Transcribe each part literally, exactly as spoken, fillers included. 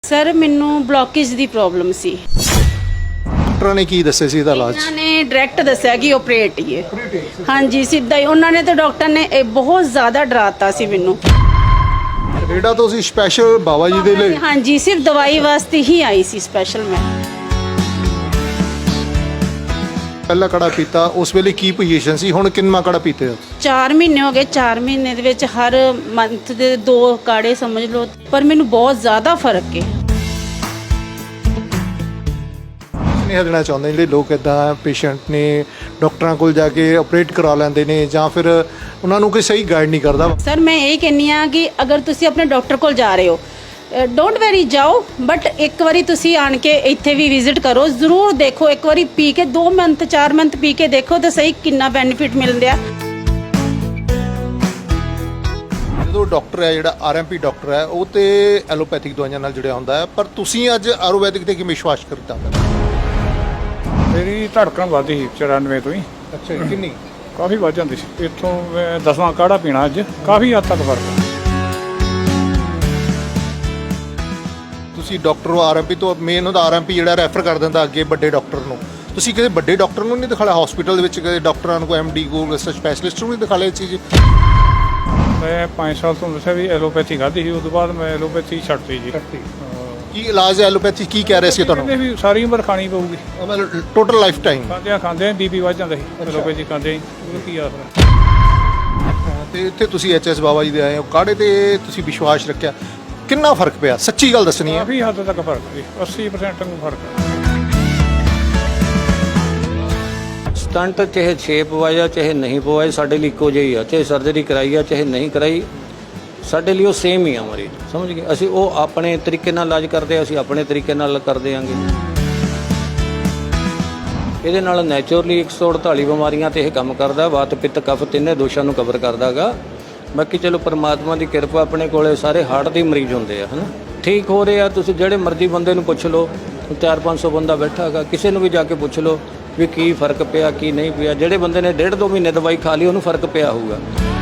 Sir मैनू blockage की problem सी। Doctor ने की दस्सिया सी ਇਹਦਾ ਇਲਾਜ? उन्होंने डायरैक्ट दस्सिया कि ऑपरेट ही है। हाँ जी सीधा ही उन्होंने तो डॉक्टर ने ਇਹ बहुत ज़्यादा डराता सी मैनू। ਕੈਨੇਡਾ ਤੋਂ ਅਸੀਂ ਸਪੈਸ਼ਲ ਬਾਬਾ ਜੀ ਦੇ ਲਈ? हाँ जी सिर्फ दवाई वास्ते ही आई सी स्पैशल मैं। ਪਹਿਲਾ ਕੜਾ ਪੀਤਾ ਉਸ ਵੇਲੇ ਕੀ ਪੋਜੀਸ਼ਨ ਸੀ, ਹੁਣ ਕਿੰਨਾ ਕੜਾ ਪੀਤੇ ਹੋ? ਚਾਰ ਮਹੀਨੇ ਹੋ ਗਏ। ਚਾਰ ਮਹੀਨੇ ਦੇ ਵਿੱਚ ਹਰ ਮੰਥ ਦੇ ਦੋ ਕਾੜੇ ਸਮਝ ਲਓ, ਪਰ ਮੈਨੂੰ ਬਹੁਤ ਜ਼ਿਆਦਾ ਫਰਕ ਹੈ। ਨਹੀਂ ਹੱਦਣਾ ਚਾਹੁੰਦੇ ਜਿਹੜੇ ਲੋਕ ਇਦਾਂ ਪੇਸ਼ੈਂਟ ਨੇ ਡਾਕਟਰਾਂ ਕੋਲ ਜਾ ਕੇ ਆਪਰੇਟ ਕਰਾ ਲੈਂਦੇ ਨੇ ਜਾਂ ਫਿਰ ਉਹਨਾਂ ਨੂੰ ਕੋਈ ਸਹੀ ਗਾਈਡ ਨਹੀਂ ਕਰਦਾ। ਸਰ ਮੈਂ ਇਹ ਕਹਿੰਨੀ ਆ ਕਿ ਅਗਰ ਤੁਸੀਂ ਆਪਣੇ ਡਾਕਟਰ ਕੋਲ ਜਾ ਰਹੇ ਹੋ ਡੋਂਟ ਵੈਰੀ ਜਾਓ, ਬਟ ਇੱਕ ਵਾਰੀ ਤੁਸੀਂ ਆਣ ਕੇ ਇੱਥੇ ਵੀ ਵਿਜ਼ਿਟ ਕਰੋ, ਜ਼ਰੂਰ ਦੇਖੋ ਇੱਕ ਵਾਰੀ ਪੀ ਕੇ ਦੋ ਮੰਥ ਚਾਰ ਮੰਥ ਪੀ ਕੇ ਦੇਖੋ ਤਾਂ ਸਹੀ ਕਿੰਨਾ ਬੈਨੀਫਿਟ ਮਿਲਦਾ। ਜਦੋਂ ਡਾਕਟਰ ਹੈ ਜਿਹੜਾ ਆਰਐਮਪੀ ਡਾਕਟਰ ਹੈ ਉਹ ਤੇ ਐਲੋਪੈਥਿਕ ਦਵਾਈਆਂ ਨਾਲ ਜੁੜਿਆ ਹੁੰਦਾ ਹੈ, ਪਰ ਤੁਸੀਂ ਅੱਜ ਆਯੁਰਵੈਦਿਕ ਤੇ ਕਿਵੇਂ ਵਿਸ਼ਵਾਸ ਕਰਤਾ? ਮੇਰੀ ਧੜਕਣ ਵੱਧਦੀ ਸੀ ਚੁਰਾਨਵੇਂ ਤੋਂ ਹੀ। ਅੱਛਾ ਜੀ, ਕਿੰਨੀ? ਕਾਫੀ ਵੱਧ ਜਾਂਦੀ ਸੀ। ਇੱਥੋਂ ਮੈਂ ਦਸਵਾਂ ਕਾੜਾ ਪੀਣਾ ਅੱਜ ਕਾਫੀ ਹੱਦ ਤੱਕ ਫਰਕ ਹੈ। ਤੁਸੀਂ ਡਾਕਟਰ ਆਰਐਮਪੀ ਤੋਂ ਮੇਨ ਉਹਦਾ ਆਰਐਮਪੀ ਜਿਹੜਾ ਰੈਫਰ ਕਰ ਦਿੰਦਾ ਅੱਗੇ ਵੱਡੇ ਡਾਕਟਰ ਨੂੰ। ਤੁਸੀਂ ਕਿਸੇ ਵੱਡੇ ਡਾਕਟਰ ਨੂੰ ਨਹੀਂ ਦਿਖਾਇਆ ਹਸਪੀਟਲ ਦੇ ਵਿੱਚ? ਕਿਸੇ ਡਾਕਟਰਾਂ ਨੂੰ ਕੋਈ ਐਮਡੀ ਕੋਲ ਸਪੈਸ਼ਲਿਸਟ ਨੂੰ ਨਹੀਂ ਦਿਖਾਇਆ ਇਹ ਚੀਜ਼? ਮੈਂ ਪੰਜ ਸਾਲ ਤੋਂ ਦੱਸਿਆ ਵੀ ਐਲੋਪੈਥੀ ਖਾਧੀ ਸੀ, ਉਸ ਤੋਂ ਬਾਅਦ ਮੈਂ ਐਲੋਪੈਥੀ ਛੱਡਤੀ ਜੀ। ਕੀ ਇਲਾਜ ਹੈ ਐਲੋਪੈਥੀ? ਕੀ ਕਹਿ ਰਹੇ ਸੀ ਤੁਹਾਨੂੰ? ਕਹਿੰਦੇ ਵੀ ਸਾਰੀ ਉਮਰ ਖਾਣੀ ਪਊਗੀ, ਮਤਲਬ ਟੋਟਲ ਲਾਈਫ ਟਾਈਮ? ਖਾਂਦਿਆਂ ਖਾਂਦਿਆਂ ਬੀਪੀ ਵੱਧ ਜਾਂਦਾ ਸੀ ਐਲੋਪੈਥੀ ਖਾਂਦੇ ਉਹ ਕੀ ਆਸਰਾ। ਤੇ ਇੱਥੇ ਤੁਸੀਂ ਐਚਐਸ ਬਾਬਾ ਜੀ ਦੇ ਆਏ ਹੋ, ਕਾੜੇ ਤੇ ਤੁਸੀਂ ਵਿਸ਼ਵਾਸ ਰੱਖਿਆ, ਕਿੰਨਾ ਫਰਕ ਪਿਆ? ਸੱਚੀ ਗੱਲ ਦੱਸਣੀ ਹੈ। ਕਾਫੀ ਹੱਦ ਤੱਕ ਫਰਕ ਸੀ, ਅੱਸੀ ਪਰਸੈਂਟ ਨੂੰ ਫਰਕ ਹੈ। ਸਟੰਟ ਚਾਹੇ ਛੇ ਪਵਾਇਆ ਚਾਹੇ ਨਹੀਂ ਪਵਾਇਆ ਸਾਡੇ ਲਈ ਇੱਕੋ ਜਿਹੀ ਆ, ਚਾਹੇ ਸਰਜਰੀ ਕਰਾਈ ਆ ਚਾਹੇ ਨਹੀਂ ਕਰਾਈ ਸਾਡੇ ਲਈ ਉਹ ਸੇਮ ਹੀ ਆ ਮਰੀਜ਼, ਸਮਝ ਗਏ? ਅਸੀਂ ਉਹ ਆਪਣੇ ਤਰੀਕੇ ਨਾਲ ਇਲਾਜ ਕਰਦੇ ਆ, ਅਸੀਂ ਆਪਣੇ ਤਰੀਕੇ ਨਾਲ ਕਰਦੇ ਆਂਗੇ। ਇਹਦੇ ਨਾਲ ਨੈਚੁਰਲੀ ਇੱਕ ਸੌ ਅੜਤਾਲੀ ਬਿਮਾਰੀਆਂ ਤੇ ਇਹ ਕੰਮ ਕਰਦਾ, ਵਾਤ ਪਿੱਤ ਕਫ ਤਿੰਨੇ ਦੋਸ਼ਾਂ ਨੂੰ ਕਵਰ ਕਰਦਾ ਗਾ। ਬਾਕੀ ਚਲੋ ਪਰਮਾਤਮਾ ਦੀ ਕਿਰਪਾ, ਆਪਣੇ ਕੋਲੇ ਸਾਰੇ ਹਾਰਟ ਦੇ ਮਰੀਜ਼ ਹੁੰਦੇ ਆ, ਹੈ ਨਾ, ਠੀਕ ਹੋ ਰਹੇ ਆ। ਤੁਸੀਂ ਜਿਹੜੇ ਮਰਜ਼ੀ ਬੰਦੇ ਨੂੰ ਪੁੱਛ ਲਓ, ਚਾਰ ਪੰਜ ਸੌ ਬੰਦਾ ਬੈਠਾ ਹੈਗਾ, ਕਿਸੇ ਨੂੰ ਵੀ ਜਾ ਕੇ ਪੁੱਛ ਲਓ ਵੀ ਕੀ ਫਰਕ ਪਿਆ ਕੀ ਨਹੀਂ ਪਿਆ। ਜਿਹੜੇ ਬੰਦੇ ਨੇ ਡੇਢ ਦੋ ਮਹੀਨੇ ਦਵਾਈ ਖਾ ਲਈ ਉਹਨੂੰ ਫਰਕ ਪਿਆ ਹੋਊਗਾ।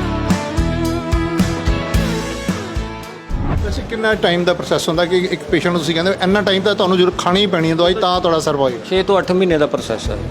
ਵੈਸੇ ਕਿੰਨਾ ਟਾਈਮ ਦਾ ਪ੍ਰੋਸੈਸ ਹੁੰਦਾ ਕਿ ਇੱਕ ਪੇਸ਼ੈਂਟ ਨੂੰ ਤੁਸੀਂ ਕਹਿੰਦੇ ਇੰਨਾ ਟਾਈਮ ਤਾਂ ਤੁਹਾਨੂੰ ਜ਼ਰੂਰ ਖਾਣੀ ਹੀ ਪੈਣੀ ਹੈ ਦਵਾਈ ਤਾਂ ਤੁਹਾਡਾ ਸਰਵਾਈਵ? ਛੇ ਤੋਂ ਅੱਠ ਮਹੀਨੇ ਦਾ ਪ੍ਰੋਸੈਸ ਹੈ।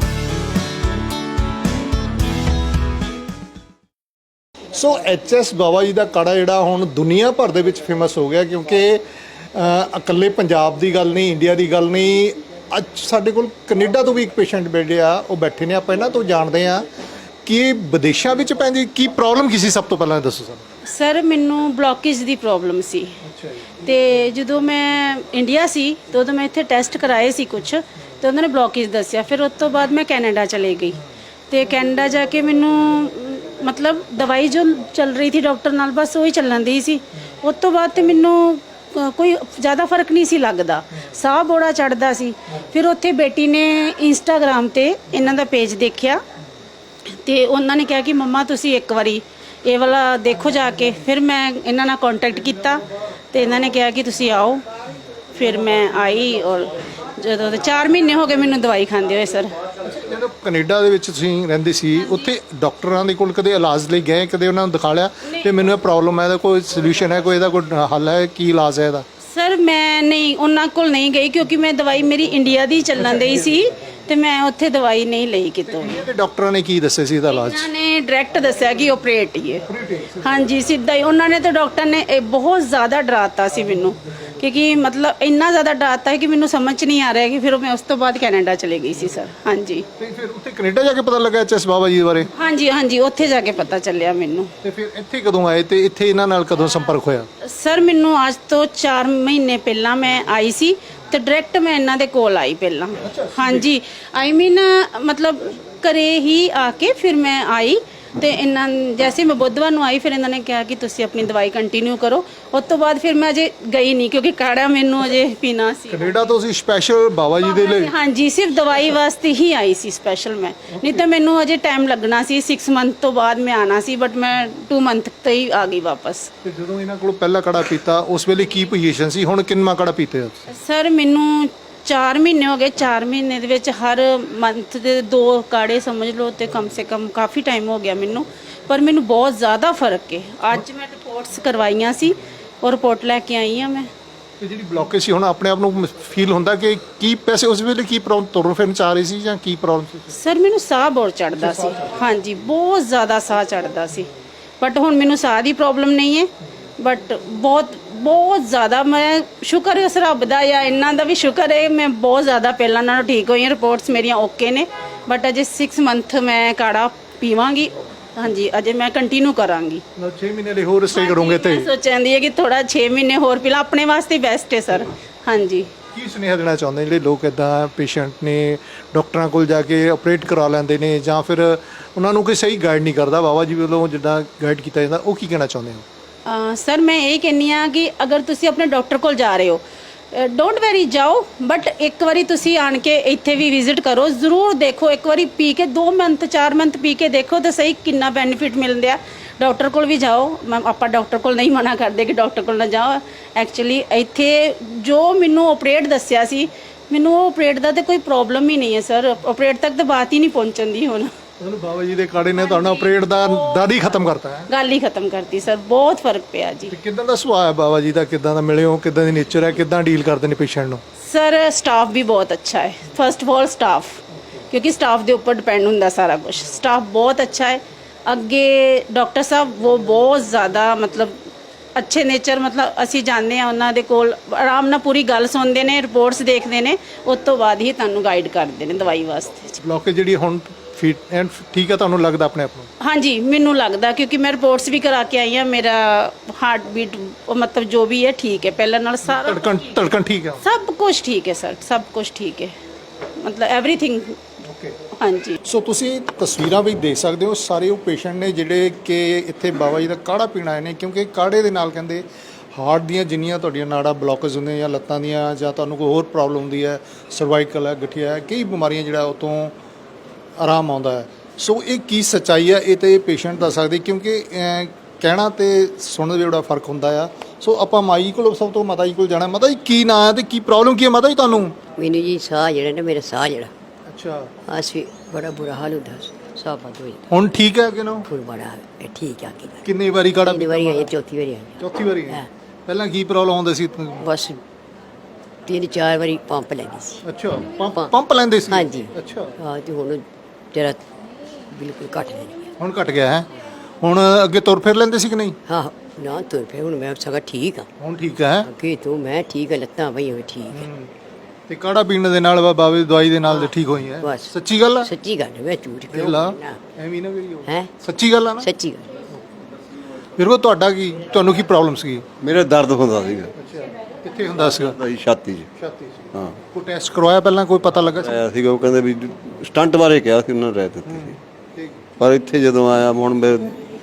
ਸੋ ਐਚਐਸ ਬਾਬਾ ਜੀ ਦਾ ਕਾੜਾ ਜਿਹੜਾ ਹੁਣ ਦੁਨੀਆ ਭਰ ਦੇ ਵਿੱਚ ਫੇਮਸ ਹੋ ਗਿਆ, ਕਿਉਂਕਿ ਅ, ਇਕੱਲੇ ਪੰਜਾਬ ਦੀ ਗੱਲ ਨਹੀਂ, ਇੰਡੀਆ ਦੀ ਗੱਲ ਨਹੀਂ, ਅੱਜ ਸਾਡੇ ਕੋਲ ਕੈਨੇਡਾ ਤੋਂ ਵੀ ਇੱਕ ਪੇਸ਼ੈਂਟ ਬੈਠੇ ਆ, ਉਹ ਬੈਠੇ ਨੇ। ਆਪਾਂ ਇਹਨਾਂ ਤੋਂ ਜਾਣਦੇ ਆ ਕਿ ਵਿਦੇਸ਼ਾਂ ਵਿੱਚ ਭੈਣ ਜੀ ਕੀ ਪ੍ਰੋਬਲਮ ਕੀ ਸੀ, ਸਭ ਤੋਂ ਪਹਿਲਾਂ ਦੱਸੋ ਸਾਨੂੰ। ਸਰ ਮੈਨੂੰ ਬਲੌਕੇਜ ਦੀ ਪ੍ਰੋਬਲਮ ਸੀ। ਅੱਛਾ ਜੀ। ਤੇ ਜਦੋਂ ਮੈਂ ਇੰਡੀਆ ਸੀ ਤਾਂ ਉਦੋਂ ਮੈਂ ਇੱਥੇ ਟੈਸਟ ਕਰਾਏ ਸੀ ਕੁਝ, ਤੇ ਉਹਨਾਂ ਨੇ ਬਲੌਕੇਜ ਦੱਸਿਆ। ਫਿਰ ਉਸ ਤੋਂ ਬਾਅਦ ਮੈਂ ਕੈਨੇਡਾ ਚਲੇ ਗਈ, ਤੇ ਕੈਨੇਡਾ ਜਾ ਕੇ ਮੈਨੂੰ ਮਤਲਬ ਦਵਾਈ ਜੋ ਚੱਲ ਰਹੀ ਸੀ ਡਾਕਟਰ ਨਾਲ ਬਸ ਉਹੀ ਚੱਲਣ ਦੀ ਸੀ। ਉਸ ਤੋਂ ਬਾਅਦ ਤੇ ਮੈਨੂੰ ਕੋਈ ਜ਼ਿਆਦਾ ਫਰਕ ਨਹੀਂ ਸੀ ਲੱਗਦਾ, ਸਾਹ ਬੜਾ ਚੜਦਾ ਸੀ। ਫਿਰ ਉੱਥੇ ਬੇਟੀ ਨੇ ਇੰਸਟਾਗ੍ਰਾਮ ਤੇ ਇਹਨਾਂ ਦਾ ਪੇਜ ਦੇਖਿਆ, ਤੇ ਉਹਨਾਂ ਨੇ ਕਿਹਾ ਕਿ ਮੰਮਾ ਤੁਸੀਂ ਇੱਕ ਵਾਰੀ ਇਹ ਵਾਲਾ ਦੇਖੋ ਜਾ ਕੇ। ਫਿਰ ਮੈਂ ਇਹਨਾਂ ਨਾਲ ਕੰਟੈਕਟ ਕੀਤਾ ਤੇ ਇਹਨਾਂ ਨੇ ਕਿਹਾ ਕਿ ਤੁਸੀਂ ਆਓ। ਫਿਰ ਮੈਂ ਆਈ, ਔਰ ਜਦੋਂ ਚਾਰ ਮਹੀਨੇ ਹੋ ਗਏ ਮੈਨੂੰ ਦਵਾਈ ਖਾਂਦੇ ਹੋਏ। ਸਰ ਜਦੋਂ ਕੈਨੇਡਾ ਦੇ ਵਿੱਚ ਤੁਸੀਂ ਰਹਿੰਦੇ ਸੀ, ਉੱਥੇ ਡਾਕਟਰਾਂ ਦੇ ਕੋਲ ਕਦੇ ਇਲਾਜ ਲਈ ਗਏ? ਕਦੇ ਉਹਨਾਂ ਨੂੰ ਦਿਖਾ ਲਿਆ ਤੇ ਮੈਨੂੰ ਇਹ ਪ੍ਰੋਬਲਮ ਹੈ, ਇਹਦਾ ਕੋਈ ਸੋਲੂਸ਼ਨ ਹੈ, ਕੋਈ ਇਹਦਾ ਕੋਈ ਹੱਲ ਹੈ, ਕੀ ਇਲਾਜ ਹੈ ਇਹਦਾ? ਸਰ ਮੈਂ ਨਹੀਂ ਉਹਨਾਂ ਕੋਲ ਨਹੀਂ ਗਈ, ਕਿਉਂਕਿ ਮੈਂ ਦਵਾਈ ਮੇਰੀ ਇੰਡੀਆ ਦੀ ਚੱਲਣ ਦੀ ਸੀ, ਤੇ ਮੈਂ ਉੱਥੇ ਦਵਾਈ ਨਹੀਂ ਲਈ ਕਿਤੋਂ। ਤੇ ਡਾਕਟਰਾਂ ਨੇ ਕੀ ਦੱਸਿਆ ਸੀ ਇਹਦਾ ਇਲਾਜ? ਉਹਨਾਂ ਨੇ ਡਾਇਰੈਕਟ ਦੱਸਿਆ ਕਿ ਆਪਰੇਟ ਹੀ ਹੈ। ਹਾਂਜੀ ਸਿੱਧਾ ਹੀ ਉਹਨਾਂ ਨੇ ਤੇ ਡਾਕਟਰ ਨੇ ਇਹ ਬਹੁਤ ਜ਼ਿਆਦਾ ਡਰਾਤਾ ਸੀ ਮੈਨੂੰ, ਕਿਉਂਕਿ ਮਤਲਬ ਇੰਨਾ ਜ਼ਿਆਦਾ ਡਰਾਤਾ ਹੈ ਕਿ ਮੈਨੂੰ ਸਮਝ ਨਹੀਂ ਆ ਰਿਹਾ ਕਿ ਫਿਰ ਮੈਂ ਉਸ ਤੋਂ ਬਾਅਦ ਕੈਨੇਡਾ ਚਲੇ ਗਈ ਸੀ। ਸਰ ਹਾਂਜੀ। ਤੇ ਫਿਰ ਉੱਥੇ ਕੈਨੇਡਾ ਜਾ ਕੇ ਪਤਾ ਲੱਗਾ ਐਚਐਸ ਬਾਬਾ ਜੀ ਬਾਰੇ? ਹਾਂਜੀ ਹਾਂਜੀ ਉੱਥੇ ਜਾ ਕੇ ਪਤਾ ਚੱਲਿਆ ਮੈਨੂੰ। ਤੇ ਫਿਰ ਇੱਥੇ ਕਦੋਂ ਆਏ ਤੇ ਇੱਥੇ ਇਹਨਾਂ ਨਾਲ ਕਦੋਂ ਸੰਪਰਕ ਹੋਇਆ? ਸਰ ਮੈਨੂੰ ਅੱਜ ਤੋਂ ਚਾਰ ਮਹੀਨੇ ਪਹਿਲਾਂ ਮੈਂ ਆਈ ਸੀ, ਤੇ ਡਾਇਰੈਕਟ ਮੈਂ ਇਹਨਾਂ ਦੇ ਕੋਲ ਆਈ ਪਹਿਲਾਂ। ਹਾਂਜੀ ਆਈ ਮੀਨ ਮਤਲਬ ਘਰੇ ਹੀ ਆ ਕੇ ਫਿਰ ਮੈਂ ਆਈ, ਤੇ ਇਹਨਾਂ ਜੈਸੇ ਮੈਂ ਬੁੱਧਵਾਰ ਨੂੰ ਆਈ ਫਿਰ ਇਹਨਾਂ ਨੇ ਕਿਹਾ ਕਿ ਤੁਸੀਂ ਆਪਣੀ ਦਵਾਈ ਕੰਟੀਨਿਊ ਕਰੋ। ਉਸ ਤੋਂ ਬਾਅਦ ਫਿਰ ਮੈਂ ਅਜੇ ਗਈ ਨਹੀਂ, ਕਿਉਂਕਿ ਕਾੜਾ ਮੈਨੂੰ ਅਜੇ ਪੀਣਾ ਸੀ। ਕੈਨੇਡਾ ਤੋਂ ਅਸੀਂ ਸਪੈਸ਼ਲ ਬਾਬਾ ਜੀ ਦੇ ਲਈ? ਹਾਂਜੀ ਸਿਰਫ ਦਵਾਈ ਵਾਸਤੇ ਹੀ ਆਈ ਸੀ ਸਪੈਸ਼ਲ ਮੈਂ, ਨਹੀਂ ਤਾਂ ਮੈਨੂੰ ਅਜੇ ਟਾਈਮ ਲੱਗਣਾ ਸੀ। ਸਿਕਸ ਮੰਥ ਤੋਂ ਬਾਅਦ ਮੈਂ ਆਣਾ ਸੀ, ਬਟ ਮੈਂ ਟੂ ਮੰਥ ਤੇ ਹੀ ਆ ਗਈ ਵਾਪਸ। ਤੇ ਜਦੋਂ ਇਹਨਾਂ ਕੋਲ ਪਹਿਲਾ ਕੜਾ ਪੀਤਾ ਉਸ ਵੇਲੇ ਕੀ ਪੋਜੀਸ਼ਨ ਸੀ, ਹੁਣ ਕਿੰਨਾ ਕੜਾ ਪੀਤੇ ਹੋ? ਸਰ ਮੈਨੂੰ ਚਾਰ ਮਹੀਨੇ ਹੋ ਗਏ। ਚਾਰ ਮਹੀਨੇ ਦੇ ਵਿੱਚ ਹਰ ਮੰਥ ਦੇ ਦੋ ਕਾੜੇ ਸਮਝ ਲਓ, ਤੇ ਕਮ ਸੇ ਕਮ ਕਾਫੀ ਟਾਈਮ ਹੋ ਗਿਆ ਮੈਨੂੰ, ਪਰ ਮੈਨੂੰ ਬਹੁਤ ਜ਼ਿਆਦਾ ਫਰਕ ਹੈ। ਅੱਜ ਮੈਂ ਰਿਪੋਰਟਸ ਕਰਵਾਈਆਂ ਸੀ, ਉਹ ਰਿਪੋਰਟ ਲੈ ਕੇ ਆਈ ਹਾਂ ਮੈਂ। ਤੇ ਜਿਹੜੀ ਬਲੌਕੇਜ ਸੀ ਹੁਣ ਆਪਣੇ ਆਪ ਨੂੰ ਫੀਲ ਹੁੰਦਾ ਕਿ ਕੀ ਪੈਸੇ ਉਸ ਵੇਲੇ ਕੀ ਪ੍ਰੋਬਲਮ ਤੁਰਨ ਫਿਰਨ ਚ ਆ ਰਹੀ ਸੀ ਜਾਂ ਕੀ ਪ੍ਰੋਬਲਮ ਸੀ? ਸਰ ਮੈਨੂੰ ਸਾਹ ਬਹੁਤ ਚੜਦਾ ਸੀ, ਹਾਂਜੀ ਬਹੁਤ ਜ਼ਿਆਦਾ ਸਾਹ ਚੜਦਾ ਸੀ, ਬਟ ਹੁਣ ਮੈਨੂੰ ਸਾਹ ਦੀ ਪ੍ਰੋਬਲਮ ਨਹੀਂ ਹੈ। ਬਟ ਬਹੁਤ ਬਹੁਤ ਜ਼ਿਆਦਾ ਮੈਂ ਸ਼ੁਕਰ ਹੈ ਉਸ ਰੱਬ ਦਾ ਜਾਂ ਇਹਨਾਂ ਦਾ ਵੀ ਸ਼ੁਕਰ ਹੈ, ਮੈਂ ਬਹੁਤ ਜ਼ਿਆਦਾ ਪਹਿਲਾਂ ਨਾਲੋਂ ਠੀਕ ਹੋਈ ਹਾਂ। ਰਿਪੋਰਟਸ ਮੇਰੀਆਂ ਓਕੇ ਨੇ, ਬਟ ਅਜੇ ਛੇ ਮੰਥ ਮੈਂ ਕਾੜਾ ਪੀਵਾਂਗੀ, ਹਾਂਜੀ ਅਜੇ ਮੈਂ ਕੰਟੀਨਿਊ ਕਰਾਂਗੀ। ਛੇ ਮਹੀਨੇ ਲਈ ਹੋਰ ਸਟੇ ਕਰੋਗੇ ਤੇ ਮੈਂ ਸੋਚਾਂਦੀ ਹੈ ਕਿ ਥੋੜਾ ਛੇ ਮਹੀਨੇ ਹੋਰ ਪੀ ਲਾਂ, ਆਪਣੇ ਵਾਸਤੇ ਬੈਸਟ ਹੈ ਸਰ। ਹਾਂਜੀ ਕੀ ਸੁਨੇਹਾ ਦੇਣਾ ਚਾਹੁੰਦੇ ਜਿਹੜੇ ਲੋਕ ਇਦਾਂ ਪੇਸ਼ੈਂਟ ਨੇ ਡਾਕਟਰਾਂ ਕੋਲ ਜਾ ਕੇ ਆਪਰੇਟ ਕਰਾ ਲੈਂਦੇ ਨੇ ਜਾਂ ਫਿਰ ਉਹਨਾਂ ਨੂੰ ਕੋਈ ਸਹੀ ਗਾਈਡ ਨਹੀਂ ਕਰਦਾ, ਬਾਬਾ ਜੀ ਵੱਲੋਂ ਜਿੱਦਾਂ ਗਾਈਡ ਕੀਤਾ ਜਾਂਦਾ, ਉਹ ਕੀ ਕਹਿਣਾ ਚਾਹੁੰਦੇ ਹੋ? ਅਹ ਸਰ ਮੈਂ ਇਹ ਕਹਿੰਦੀ ਹਾਂ ਕਿ ਅਗਰ ਤੁਸੀਂ ਆਪਣੇ ਡਾਕਟਰ ਕੋਲ ਜਾ ਰਹੇ ਹੋ, ਡੋਂਟ ਵੈਰੀ ਜਾਓ, ਬਟ ਇੱਕ ਵਾਰੀ ਤੁਸੀਂ ਆਣ ਕੇ ਇੱਥੇ ਵੀ ਵਿਜ਼ਿਟ ਕਰੋ, ਜ਼ਰੂਰ ਦੇਖੋ ਇੱਕ ਵਾਰੀ ਪੀ ਕੇ, ਦੋ ਮੰਥ ਚਾਰ ਮੰਥ ਪੀ ਕੇ ਦੇਖੋ ਤਾਂ ਸਹੀ ਕਿੰਨਾ ਬੈਨੀਫਿਟ ਮਿਲਦੇ ਆ। ਡਾਕਟਰ ਕੋਲ ਵੀ ਜਾਓ, ਮੈਂ ਆਪਾਂ ਡਾਕਟਰ ਕੋਲ ਨਹੀਂ ਮਨਾ ਕਰਦੇ ਕਿ ਡਾਕਟਰ ਕੋਲ ਨਾ ਜਾਓ। ਐਕਚੁਅਲੀ ਇੱਥੇ ਜੋ ਮੈਨੂੰ ਆਪਰੇਟ ਦੱਸਿਆ ਸੀ, ਮੈਨੂੰ ਉਹ ਆਪਰੇਟ ਦਾ ਤਾਂ ਕੋਈ ਪ੍ਰੋਬਲਮ ਹੀ ਨਹੀਂ ਹੈ ਸਰ, ਆਪਰੇਟ ਤੱਕ ਤਾਂ ਬਾਤ ਹੀ ਨਹੀਂ ਪਹੁੰਚਣ ਦੀ। ਹੁਣ ਤੁਹਾਨੂੰ ਬਾਬਾ ਜੀ ਦੇ ਕਾੜੇ ਨੇ ਤੁਹਾਡਾ ਆਪਰੇਟ ਦਾ ਦਾਦੀ ਖਤਮ ਕਰਤਾ ਹੈ, ਗੱਲ ਹੀ ਖਤਮ ਕਰਤੀ ਸਰ, ਬਹੁਤ ਫਰਕ ਪਿਆ ਜੀ। ਤੇ ਕਿੱਦਾਂ ਦਾ ਸੁਭਾਅ ਹੈ ਬਾਬਾ ਜੀ ਦਾ, ਕਿੱਦਾਂ ਦਾ ਮਿਲੇ ਹੋ, ਕਿੱਦਾਂ ਦੀ ਨੇਚਰ ਹੈ, ਕਿੱਦਾਂ ਡੀਲ ਕਰਦੇ ਨੇ ਪੇਸ਼ੈਂਟ ਨੂੰ? ਸਰ ਸਟਾਫ ਵੀ ਬਹੁਤ ਅੱਛਾ ਹੈ, ਫਸਟ ਆਫ ਆਲ ਸਟਾਫ, ਕਿਉਂਕਿ ਸਟਾਫ ਦੇ ਉੱਪਰ ਡਿਪੈਂਡ ਹੁੰਦਾ ਸਾਰਾ ਕੁਝ। ਸਟਾਫ ਬਹੁਤ ਅੱਛਾ ਹੈ। ਅੱਗੇ ਡਾਕਟਰ ਸਾਹਿਬ ਉਹ ਬਹੁਤ ਜ਼ਿਆਦਾ ਮਤਲਬ ਅੱਛੇ ਨੇਚਰ, ਮਤਲਬ ਅਸੀਂ ਜਾਂਦੇ ਹਾਂ ਉਹਨਾਂ ਦੇ ਕੋਲ, ਆਰਾਮ ਨਾਲ ਪੂਰੀ ਗੱਲ ਸੁਣਦੇ ਨੇ, ਰਿਪੋਰਟਸ ਦੇਖਦੇ ਨੇ, ਉਸ ਤੋਂ ਬਾਅਦ ਹੀ ਤੁਹਾਨੂੰ ਗਾਈਡ ਕਰਦੇ ਨੇ ਦਵਾਈ ਵਾਸਤੇ। ਬਲੌਕੇਜ ਜਿਹੜੀ ਹੁਣ ਫਿਟ ਐਂਡ ਠੀਕ ਹੈ ਤੁਹਾਨੂੰ ਲੱਗਦਾ ਆਪਣੇ ਆਪ ਨੂੰ? ਹਾਂਜੀ ਮੈਨੂੰ ਲੱਗਦਾ, ਕਿਉਂਕਿ ਮੈਂ ਰਿਪੋਰਟਸ ਵੀ ਕਰਾ ਕੇ ਆਈ ਹਾਂ, ਮੇਰਾ ਹਾਰਟ ਬੀਟ ਮਤਲਬ ਜੋ ਵੀ ਹੈ ਠੀਕ ਹੈ, ਪਹਿਲਾਂ ਨਾਲ ਸਾਰਾ ਧੜਕਣ ਧੜਕਣ ਠੀਕ ਹੈ? ਸਭ ਕੁਝ ਠੀਕ ਹੈ ਸਰ, ਸਭ ਕੁਝ ਠੀਕ ਹੈ, ਮਤਲਬ ਐਵਰੀਥਿੰਗ। ਓਕੇ। ਹਾਂਜੀ ਸੋ ਤੁਸੀਂ ਤਸਵੀਰਾਂ ਵੀ ਦੇਖ ਸਕਦੇ ਹੋ, ਸਾਰੇ ਉਹ ਪੇਸ਼ੈਂਟ ਨੇ ਜਿਹੜੇ ਕਿ ਇੱਥੇ ਬਾਬਾ ਜੀ ਦਾ ਕਾੜਾ ਪੀਣ ਆਏ ਨੇ, ਕਿਉਂਕਿ ਕਾੜੇ ਦੇ ਨਾਲ ਕਹਿੰਦੇ ਹਾਰਟ ਦੀਆਂ ਜਿੰਨੀਆਂ ਤੁਹਾਡੀਆਂ ਨਾੜਾਂ ਬਲੌਕੇਜ ਹੁੰਦੀਆਂ ਜਾਂ ਲੱਤਾਂ ਦੀਆਂ ਜਾਂ ਤੁਹਾਨੂੰ ਕੋਈ ਹੋਰ ਪ੍ਰੋਬਲਮ ਹੁੰਦੀ ਹੈ, ਸਰਵਾਈਕਲ ਹੈ, ਗਠੀਆ ਹੈ, ਕਈ ਬਿਮਾਰੀਆਂ ਜਿਹੜਾ ਉਹ ਤੋਂ ਆਰਾਮ ਆਉਂਦਾ ਹੈ। ਸੋ ਇਹ ਕੀ ਸੱਚਾਈ ਹੈ ਇਹ ਤਾਂ ਪੇਸ਼ੈਂਟ ਦੱਸ ਸਕਦੇ, ਕਿਉਂਕਿ ਅਹ, ਕਹਿਣਾ ਤੇ ਸੁਣਨ ਦਾ ਬੜਾ ਫਰਕ ਹੁੰਦਾ ਆ। ਸੋ ਆਪਾਂ ਮਾਈ ਕੋਲ ਸਭ ਤੋਂ ਮਾਤਾ ਜੀ ਕੋਲ ਜਾਣਾ। ਮਾਤਾ ਜੀ ਕੀ ਨਾਂ ਹੈ ਤੇ ਕੀ ਪ੍ਰੋਬਲਮ ਕੀ ਹੈ ਮਾਤਾ ਜੀ ਤੁਹਾਨੂੰ? ਮੈਨੂੰ ਜੀ ਸਾਹ ਜਿਹੜਾ ਨਾ, ਮੇਰਾ ਸਾਹ ਜਿਹੜਾ ਅੱਛਾ, ਅਸੀਂ ਬੜਾ ਬੁਰਾ ਹਾਲ ਹੁੰਦਾ ਸੀ, ਸਾਹ ਬੰਦ ਹੋ ਜਾਂਦਾ, ਹੁਣ ਠੀਕ ਹੈ ਕਿ ਨਾ? ਫਿਰ ਬੜਾ ਇਹ ਠੀਕ ਆ ਕੇ ਕਿੰਨੀ ਵਾਰੀ ਕਾੜਾ ਤਿੰਨ ਵਾਰੀ ਆਈ, ਚੌਥੀ ਵਾਰੀ ਆਈ, ਚੌਥੀ ਵਾਰੀ ਹੈ। ਹਾਂ। ਪਹਿਲਾਂ ਕੀ ਪ੍ਰੋਬਲਮ ਆਉਂਦੀ ਸੀ? ਬਸ ਤਿੰਨ ਚਾਰ ਵਾਰੀ ਪੰਪ ਲੈਂਦੀ ਸੀ। ਅੱਛਾ, ਪੰਪ ਪੰਪ- ਪੰਪ ਲੈਂਦੇ ਸੀ? ਹਾਂਜੀ। ਅੱਛਾ, ਹਾਂ ਤੇ ਹੁਣ ਜਰਾ ਬਿਲਕੁਲ ਘੱਟ ਲੈਂਦੀ ਹਾਂ। ਹੁਣ ਘਟ ਗਿਆ ਹੈ। ਹੁਣ ਅੱਗੇ ਤੁਰ ਫਿਰ ਲੈਂਦੇ ਸੀ ਕਿ ਨਹੀਂ? ਹਾਂ ਨਾ ਤੁਰ ਫਿਰ ਹੁਣ ਮੈਂ ਸਗਾ ਠੀਕ ਆ, ਹੁਣ ਠੀਕ ਹੈ। ਅੱਗੇ ਤੋਂ ਮੈਂ ਠੀਕ ਆ, ਲੱਤਾਂ ਬਈ ਹੋਈ ਠੀਕ ਹੈ। ਤੇ ਕਾੜਾ ਪੀਣ ਦੇ ਨਾਲ ਬਾਬਾ ਦੀ ਦਵਾਈ ਦੇ ਨਾਲ ਤੇ ਠੀਕ ਹੋਈ ਹੈ? ਬਸ। ਸੱਚੀ ਗੱਲ ਹੈ? ਸੱਚੀ ਗੱਲ ਹੈ, ਮੈਂ ਝੂਠ ਕਿਉਂ ਲਾ ਬੋਲਣਾ ਐਵੇਂ ਨਾ ਕਰੀਓ, ਹੈ, ਸੱਚੀ ਗੱਲ ਆ ਨਾ? ਸੱਚੀ ਗੱਲ। ਫਿਰ ਉਹ ਤੁਹਾਡਾ ਕੀ, ਤੁਹਾਨੂੰ ਕੀ ਪ੍ਰੋਬਲਮ ਸੀਗੀ? ਮੇਰੇ ਦਰਦ ਹੁੰਦਾ ਸੀਗਾ ਅੱਛਾ, ਕਿੱਥੇ ਹੁੰਦਾ ਸੀਗਾ? ਭਾਈ ਛਾਤੀ 'ਚ। ਛਾਤੀ ਸੀ। ਹਾਂ ਕੋਈ ਟੈਸਟ ਕਰਵਾਇਆ ਪਹਿਲਾਂ, ਕੋਈ ਪਤਾ ਲੱਗਾ ਸੀ? ਆਇਆ ਸੀਗਾ, ਉਹ ਕਹਿੰਦੇ ਵੀ ਸਟੰਟ ਬਾਰੇ ਕਿਹਾ ਸੀ ਉਹਨਾਂ ਨੇ, ਰਹਿ ਦਿੱਤੀ ਸੀ। ਠੀਕ। ਪਰ ਇੱਥੇ ਜਦੋਂ ਆਇਆ ਹੁਣ ਮੈਂ